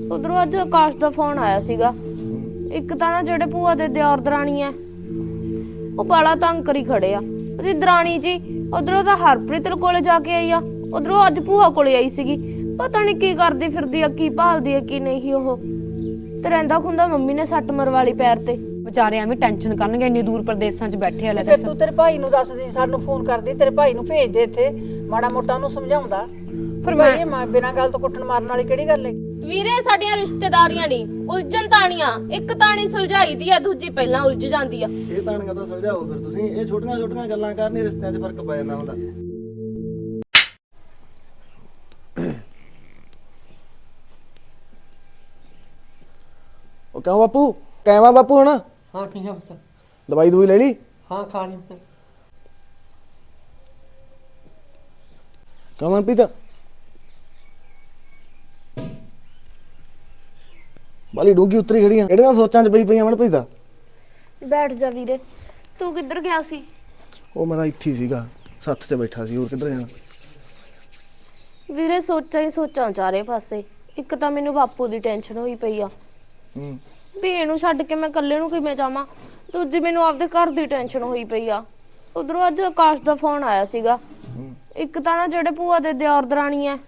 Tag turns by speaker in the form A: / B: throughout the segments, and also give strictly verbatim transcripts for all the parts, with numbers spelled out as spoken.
A: ਉਧਰੋਂ ਅੱਜ ਆਕਾਸ਼ ਦਾ ਫੋਨ ਆਇਆ ਸੀਗਾ। ਇੱਕ ਤਾਂ ਨਾ ਜਿਹੜੇ ਭੂਆ ਦੇ ਦਿਓਰ ਦਰਾਣੀ ਐ ਉਹ ਬਾਲਾ ਤੰਗ ਕਰੀ ਖੜੇ ਆ। ਉਹਦੀ ਦਰਾਣੀ ਜੀ ਉਧਰੋਂ ਤਾਂ ਹਰਪ੍ਰੀਤ ਕੋਲੇ ਜਾ ਕੇ ਆਈ ਆ, ਉਧਰੋਂ ਅੱਜ ਭੂਆ ਕੋਲੇ ਆਈ ਸੀਗੀ। ਪਤਾ ਨਹੀਂ ਕੀ ਕਰਦੀ ਫਿਰਦੀ ਆ, ਕੀ ਭਾਲਦੀ ਆ ਕੀ ਨਹੀਂ। ਉਹ ਤੇ ਰਹਿੰਦਾ ਖੁੰਦਾ ਮੰਮੀ ਨੇ ਸੱਟ ਮਰਵਾ ਲਈ ਪੈਰ ਤੇ।
B: ਵਿਚਾਰੇ ਐਵੇਂ ਟੈਨਸ਼ਨ ਕਰਨਗੇ, ਇੰਨੀ ਦੂਰ ਪ੍ਰਦੇਸ਼ਾਂ 'ਚ ਬੈਠੇ ਆ। ਲੈ
C: ਫਿਰ ਤੂੰ ਤੇਰੇ ਭਾਈ ਨੂੰ ਦੱਸਦੀ, ਸਾਨੂੰ ਫੋਨ ਕਰਦੀ, ਤੇਰੇ ਭਾਈ ਨੂੰ ਭੇਜ ਦੇ ਇੱਥੇ, ਮਾੜਾ ਮੋਟਾ ਉਹਨੂੰ ਸਮਝਾਉਂਦਾ। ਫਿਰ ਮੈਂ ਬਿਨਾਂ ਗੱਲ ਤੋਂ ਕੁੱਟਣ ਮਾਰਨ ਵਾਲੀ ਕਿਹੜੀ ਗੱਲ ਹੈ?
A: ਵੀਰੇ ਸਾਡੀਆਂ ਰਿਸ਼ਤੇਦਾਰੀਆਂ ਨਹੀਂ ਉਲਝਣ ਤਾਣੀਆਂ, ਇੱਕ ਤਾਣੀ ਸੁਲਝਾਈ ਦੀ ਆ, ਦੂਜੀ ਪਹਿਲਾਂ ਉਲਝ ਜਾਂਦੀ ਆ।
D: ਇਹ ਤਾਣੀਆਂ ਤਾਂ ਸੁਲਝਾਓ ਫਿਰ ਤੁਸੀਂ। ਇਹ ਛੋਟੀਆਂ ਛੋਟੀਆਂ ਗੱਲਾਂ ਕਰਨੀ ਰਿਸ਼ਤਿਆਂ 'ਚ ਫਰਕ ਪੈ ਜਾਂਦਾ ਹੁੰਦਾ। ਉਹ ਕਿਉਂ ਬਾਪੂ ਕਹਿਵਾ ਬਾਪੂ ਹੁਣ?
E: हाँ ठीक है पुत्र।
D: ਦਵਾਈ ਦਵਾਈ ਲੈ ਲਈ?
E: हाँ खा ली पुत्र।
D: ਕਿਉਂ ਮਨਪ੍ਰੀਤ ਬਾਲੀ ਡੂੰਗੀ ਉਤਰੀ ਖੜੀਆਂ, ਕਿਹੜੀਆਂ ਸੋਚਾਂ 'ਚ ਪਈ ਪਈਆਂ ਮਨਪ੍ਰੀਤ?
A: ਬੈਠ ਜਾ ਵੀਰੇ। ਤੂੰ ਕਿੱਧਰ ਗਿਆ ਸੀ?
D: ਉਹ ਮੈਂ ਤਾਂ ਇੱਥੇ ਹੀ ਸੀਗਾ, ਸੱਥ 'ਚ ਬੈਠਾ ਸੀ, ਹੋਰ ਕਿੱਧਰ ਜਾਣਾ।
A: ਵੀਰੇ ਸੋਚਾਂ ਹੀ ਸੋਚਾਂ ਚਾਰੇ ਪਾਸੇ। ਇੱਕ ਤਾਂ ਮੈਨੂੰ ਬਾਪੂ ਦੀ ਟੈਨਸ਼ਨ ਹੋਈ ਪਈ ਆ
D: ਹੂੰ
A: ਵੀ ਇਹਨੂੰ ਛੱਡ ਕੇ ਮੈਂ ਇਕੱਲੇ ਨੂੰ ਕਿਵੇਂ ਜਾਵਾਂ। ਦੂਜੀ ਮੈਨੂੰ ਆਪਦੇ ਘਰ ਦੀ ਟੈਨਸ਼ਨ ਹੋਈ ਪਈ ਆ। ਉਧਰੋਂ ਅੱਜ ਆਕਾਸ਼ ਦਾ ਫੋਨ ਆਇਆ ਸੀਗਾ। ਇੱਕ ਤਾਂ ਨਾ ਜਿਹੜੇ ਭੂਆ ਦੇ ਦਿਓਰ ਦਰਾਣੀ ਐ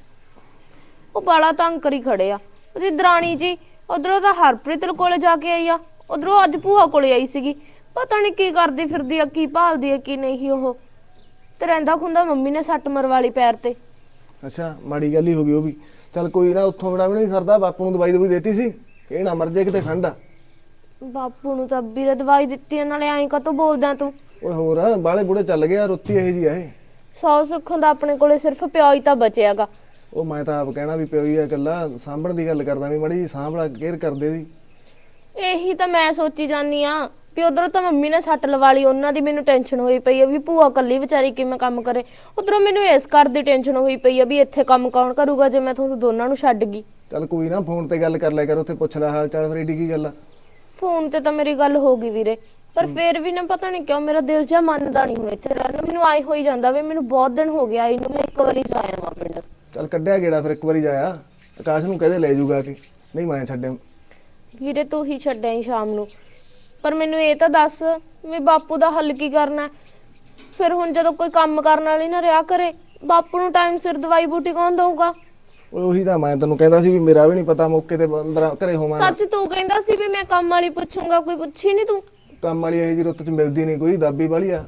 A: ਉਹ ਬਾਲਾ ਤੰਗ ਕਰੀ ਖੜੇ ਆ। ਉਹਦੀ ਦਰਾਣੀ ਜੀ ਉਧਰੋਂ ਤਾਂ ਹਰਪ੍ਰੀਤ ਕੋਲੇ ਜਾ ਕੇ ਆਈ ਆ, ਉਧਰੋਂ ਅੱਜ ਭੂਆ ਕੋਲੇ ਆਈ ਸੀਗੀ। ਪਤਾ ਨਹੀਂ ਕੀ ਕਰਦੀ ਫਿਰਦੀ ਆ, ਕੀ ਭਾਲਦੀ ਆ ਕੀ ਨਹੀਂ। ਉਹ ਤੇ ਰਹਿੰਦਾ ਖੁੰਦਾ ਮੰਮੀ ਨੇ ਸੱਟ ਮਰਵਾ ਲਈ ਪੈਰ ਤੇ।
D: ਅੱਛਾ ਮਾੜੀ ਗੱਲ ਹੀ ਹੋ ਗਈ ਉਹ ਵੀ। ਚੱਲ ਕੋਈ ਨਾ, ਉੱਥੋਂ ਬੜਾ ਵੀ ਨਹੀਂ ਸਰਦਾ। ਬਾਪੂ ਨੂੰ ਦਵਾਈ ਦਵਾਈ ਦੇਤੀ ਸੀ, ਇਹ ਨਾ ਮਰ ਜੇ ਕਿਤੇ ਠੰਡ ਆ।
A: ਬਾਪੂ ਨੂੰ ਤਾਂ ਵੀਰੇ ਦਵਾਈ ਦਿੱਤੀ ਆ, ਨਾਲੇ ਐਂ ਕਾਤੋਂ ਬੋਲਦਾ ਤੂੰ?
D: ਓਏ ਹੋਰ ਬਾਲੇ ਬੁੜੇ ਚੱਲ ਗਿਆ, ਰੁੱਤੀ ਇਹੋ ਜੀ ਆ ਇਹ।
A: ਸੌ ਸੁੱਖੋਂ ਦਾ ਆਪਣੇ ਕੋਲੇ ਸਿਰਫ ਪਿਓ ਹੀ ਤਾਂ ਬਚਿਆਗਾ।
D: ਉਹ ਮੈਂ ਤਾਂ ਆਪ ਕਹਿਣਾ ਵੀ ਪਿਓ ਹੀ ਆ ਇਕੱਲਾ, ਸਾਂਭਣ ਦੀ ਗੱਲ ਕਰਦਾ ਵੀ ਮਾੜੀ ਜੀ ਸਾਂਭਲਾ ਕੇਅਰ ਕਰਦੇ ਦੀ।
A: ਇਹੀ ਤਾਂ ਮੈਂ ਸੋਚੀ ਜਾਨੀ ਆ ਵੀ ਉਧਰੋਂ ਤਾਂ ਮੰਮੀ ਨੇ ਸੱਟ ਲਵਾ ਲਈ, ਉਹਨਾਂ ਦੀ ਮੈਨੂੰ ਟੈਨਸ਼ਨ ਹੋਈ ਪਈ ਆ ਵੀ ਭੂਆ ਕੱਲੀ ਵਿਚਾਰੀ ਕਿਵੇਂ ਕੰਮ ਕਰੇ। ਉਧਰੋਂ ਮੈਨੂੰ ਇਸ ਘਰ ਦੀ ਟੈਨਸ਼ਨ ਹੋਈ ਪਈ ਆ ਵੀ ਇੱਥੇ ਕੰਮ ਕੌਣ ਕਰੂਗਾ ਜੇ ਮੈਂ ਤੁਹਾਨੂੰ ਦੋਨਾਂ ਨੂੰ ਛੱਡ ਗਈ।
D: ਚੱਲ ਕੋਈ ਨਾ, ਫੋਨ ਤੇ ਗੱਲ ਕਰ ਲਿਆ ਕਰ, ਉੱਥੇ ਪੁੱਛ ਲੈ ਹਾਲ ਚਾਲ। ਫਿਰ ਏਡੀ ਕੀ ਗੱਲ ਆ?
A: ਫੋਨ ਤੇ ਤਾਂ ਮੇਰੀ ਗੱਲ ਹੋ ਗਈ ਵੀਰੇ, ਪਰ ਫੇਰ ਵੀ ਨਾ ਪਤਾ ਨਹੀਂ ਕਿਉਂ ਮੇਰਾ ਦਿਲ ਜਿਹਾ ਮੰਨਦਾ ਨਹੀਂ ਹੁਣ ਇੱਥੇ ਰਹਿਣ। ਮੈਨੂੰ ਆਈ ਹੋਈ ਜਾਂਦਾ ਵੀ ਮੈਨੂੰ ਬਹੁਤ ਦਿਨ ਹੋ ਗਿਆ ਆਈ ਨੂੰ, ਮੈਂ ਇੱਕ ਵਾਰੀ ਜਾਇਆ ਵਾਂ ਪਿੰਡ।
D: ਚੱਲ ਕੱਢਿਆ ਗੇੜਾ ਫਿਰ ਇੱਕ ਵਾਰੀ ਜਾਇਆ। ਆਕਾਸ਼ ਨੂੰ ਕਹਦੇ ਲੈ ਜੂਗਾ ਕਿ ਨਹੀਂ, ਮੈਂ ਛੱਡਿਆ।
A: ਵੀਰੇ ਤੂੰ ਹੀ ਛੱਡਿਆ ਹੀ ਸ਼ਾਮ ਨੂੰ, ਪਰ ਮੈਨੂੰ ਇਹ ਤਾਂ ਦੱਸ ਵੀ ਬਾਪੂ ਦਾ ਹੱਲ ਕੀ ਕਰਨਾ? ਫਿਰ ਹੁਣ ਜਦੋਂ ਕੋਈ ਕੰਮ ਕਰਨ ਵਾਲੀ ਨਾ ਰਿਹਾ ਕਰੇ, ਬਾਪੂ ਨੂੰ ਟਾਈਮ ਸਿਰ ਦਵਾਈ ਬੂਟੀ ਕੌਣ ਦਊਗਾ?
D: ਉਹੀ ਤਾਂ ਮੈਂ ਤੈਨੂੰ ਕਹਿੰਦਾ ਸੀ ਵੀ ਮੇਰਾ ਵੀ ਨਹੀਂ ਪਤਾ, ਮੌਕੇ ਤੇ ਅੰਦਰ ਘਰੇ ਹੋਵਾਂ।
A: ਸੱਚ ਤੂੰ ਕਹਿੰਦਾ ਸੀ ਵੀ ਮੈਂ ਕੰਮ ਵਾਲੀ ਪੁੱਛੂੰਗਾ, ਕੋਈ ਪੁੱਛੀ ਨਹੀਂ ਤੂੰ?
D: ਕੰਮ ਵਾਲੀ ਇਹੋ ਜੀ ਰੁੱਤ 'ਚ ਮਿਲਦੀ ਨਹੀਂ ਕੋਈ, ਦਾਬੀ ਵਾਲੀ ਆ।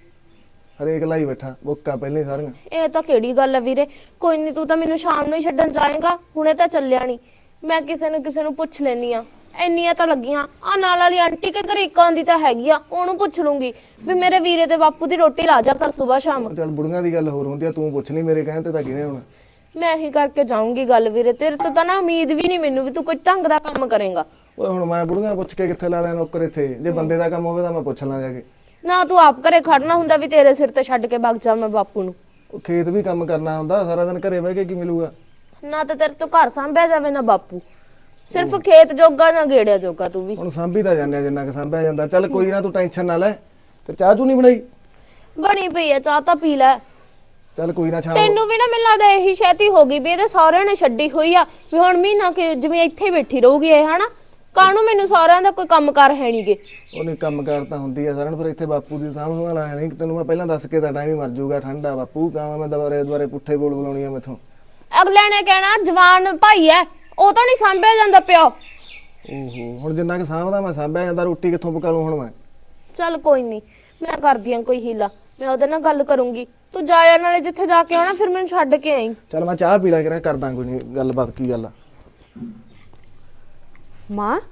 D: ਹਰੇਕ ਲਾਈ ਬੈਠਾ ਬੁੱਕਾ ਪਹਿਲੇ ਸਾਰੀਆਂ।
A: ਇਹ ਤਾਂ ਕਿਹੜੀ ਗੱਲ ਆ ਵੀਰੇ? ਕੋਈ ਨਹੀਂ, ਤੂੰ ਤਾਂ ਮੈਨੂੰ ਸ਼ਾਮ ਨੂੰ ਹੀ ਛੱਡਣ ਜਾਏਗਾ, ਹੁਣੇ ਤਾਂ ਚੱਲਿਆ ਨਹੀਂ। ਮੈਂ ਕਿਸੇ ਨੂੰ ਕਿਸੇ ਨੂੰ ਪੁੱਛ ਲੈਣੀ ਆ, ਇੰਨੀਆਂ ਤਾਂ ਲੱਗੀਆਂ। ਆ ਨਾਲ ਵਾਲੀ ਆਂਟੀ ਕੇ ਘਰੇ ਇੱਕ ਆਂਦੀ ਤਾਂ ਹੈਗੀ ਆ, ਉਹਨੂੰ ਪੁੱਛ ਲੂੰਗੀ ਵੀ ਮੇਰੇ ਵੀਰੇ ਤੇ ਬਾਪੂ ਦੀ ਰੋਟੀ ਲਾ ਜਾ ਕਰ ਸੁਬਾ ਸ਼ਾਮ।
D: ਚੱਲ ਬੁੜੀਆਂ ਦੀ ਗੱਲ ਹੋਰ ਹੁੰਦੀ ਆ, ਤੂੰ ਪੁੱਛ ਲਈ, ਮੇਰੇ ਕਹਿਣ ਤੇ ਤਾਂ ਕਿਹਨੇ ਹੁਣ।
A: ਮੈਂ ਹੀ ਕਰਕੇ ਜਾਊਂਗੀ ਗੱਲ ਵੀਰੇ, ਤੇਰੇ ਤੋਂ ਤਾਂ ਨਾ ਉਮੀਦ ਵੀ ਨਹੀਂ ਮੈਨੂੰ ਵੀ ਤੂੰ ਕੋਈ ਢੰਗ ਦਾ ਕੰਮ ਕਰੇਗਾ।
D: ਓਏ ਹੁਣ ਮੈਂ ਬੁੜੀਆਂ ਪੁੱਛ ਕੇ ਕਿੱਥੇ ਲਾ ਲਿਆ ਨੌਕਰ ਇੱਥੇ? ਜੇ ਬੰਦੇ ਦਾ ਕੰਮ ਹੋਵੇ ਤਾਂ ਮੈਂ ਪੁੱਛ ਲਾਂ ਜਾ ਕੇ।
A: ਨਾ ਤੂੰ ਆਪ ਘਰੇ ਖੜਨਾ ਹੁੰਦਾ ਵੀ ਤੇਰੇ ਸਿਰ ਤੇ ਛੱਡ ਕੇ ਵਗ ਜਾ ਮੈਂ ਬਾਪੂ ਨੂੰ।
D: ਉਹ ਖੇਤ ਵੀ ਕੰਮ ਕਰਨਾ ਹੁੰਦਾ, ਸਾਰਾ ਦਿਨ ਘਰੇ ਬਹਿ ਕੇ ਕੀ ਮਿਲੂਗਾ?
A: ਨਾ ਤਾਂ ਤੇਰੇ ਤੋਂ ਘਰ ਸੰਭਿਆ ਜਾਵੇ ਨਾ ਬਾਪੂ, ਸਿਰਫ ਖੇਤ ਜੋਗਾ ਨਾ ਗੇੜਿਆ ਜੋਗਾ। ਤੂੰ ਵੀ
D: ਹੁਣ ਸਾਂਭੀ ਤਾਂ ਜਾਂਦੇ ਜਿੰਨਾ ਕਿ ਸਾਂਭਿਆ ਜਾਂਦਾ। ਚੱਲ ਕੋਈ ਨਾ, ਤੂੰ ਟੈਨਸ਼ਨ ਨਾ ਲੈ। ਤੇ ਚਾਹ ਚੂ ਨਹੀਂ ਬਣਾਈ?
A: ਬਣੀ ਪਈ ਆ, ਚਾਹ ਤਾਂ ਪੀ ਲੈ।
D: ਚੱਲ ਕੋਈ ਨਾ, ਸ਼ਾਮ
A: ਤੈਨੂੰ ਵੀ ਨਾ ਮੈਨੂੰ ਲੱਗਦਾ ਇਹੀ ਸ਼ੈਤੀ ਹੋ ਗਈ ਵੀ ਇਹਦੇ ਸਹੁਰਿਆਂ ਨੇ ਛੱਡੀ ਹੋਈ ਆ ਵੀ ਹੁਣ ਮਹੀਨਾ ਕਿ ਜਿਵੇਂ ਇੱਥੇ ਬੈਠੀ ਰਹੂਗੀ ਇਹ, ਹਨਾ? ਕਾਹਨੂੰ ਮੈਨੂੰ ਸਹੁਰਿਆਂ ਦਾ ਕੋਈ ਕੰਮ ਕਾਰ ਹੈ ਨਹੀਂਗੇ।
D: ਉਹਨੇ ਕੰਮ ਕਾਰ ਤਾਂ ਹੁੰਦੀ ਆ ਸਾਰਿਆਂ ਨੂੰ, ਪਰ ਇੱਥੇ ਬਾਪੂ ਦੀ ਸਾਂਭ ਸੰਭਾਲ ਆ ਨਹੀਂ। ਤੈਨੂੰ ਮੈਂ ਪਹਿਲਾਂ ਦੱਸ ਕੇ ਤਾਂ ਟਾਈਮ ਹੀ ਮਰ ਜਾਊਗਾ, ਠੰਡਾ ਬਾਪੂ ਕਾਵਾਂ ਮੈਂ ਦੁਬਾਰੇ ਦੁਬਾਰੇ ਪੁੱਠੇ ਬੋਲ ਬੁਲਾਉਣੀ ਆ ਮੈਥੋਂ।
A: ਅਗਲੇ ਨੇ ਕਹਿਣਾ ਜਵਾਨ ਭਾਈ ਐ, ਉਹ ਤਾਂ ਨਹੀਂ ਸਾਂਭਿਆ ਜਾਂਦਾ ਪਿਓ।
D: ਓਹੋ ਹੁਣ ਜਿੰਨਾ ਕਿ ਸਾਂਭਦਾ ਮੈਂ ਸਾਂਭਿਆ ਜਾਂਦਾ, ਰੋਟੀ ਕਿੱਥੋਂ ਪਕਾ ਲੂੰ ਹੁਣ ਮੈਂ?
A: ਚੱਲ ਕੋਈ ਨਹੀਂ, ਮੈਂ ਕਰਦੀ ਆਂ ਕੋਈ ਹੀਲਾ, ਮੈਂ ਉਹਦੇ ਨਾਲ ਗੱਲ ਕਰੂੰਗੀ। ਤੂੰ ਜਾਇਆ ਨਾਲੇ ਜਿੱਥੇ ਜਾ ਕੇ ਆਉਣਾ, ਫਿਰ ਮੈਨੂੰ ਛੱਡ ਕੇ ਆਈ।
D: ਚੱਲ ਮੈਂ ਚਾਹ ਪੀ ਲਾ ਕੇ ਕਰਦਾ ਕੋਈ ਨਹੀਂ ਗੱਲਬਾਤ। ਕੀ ਗੱਲ ਆ?
B: ਮਾਂ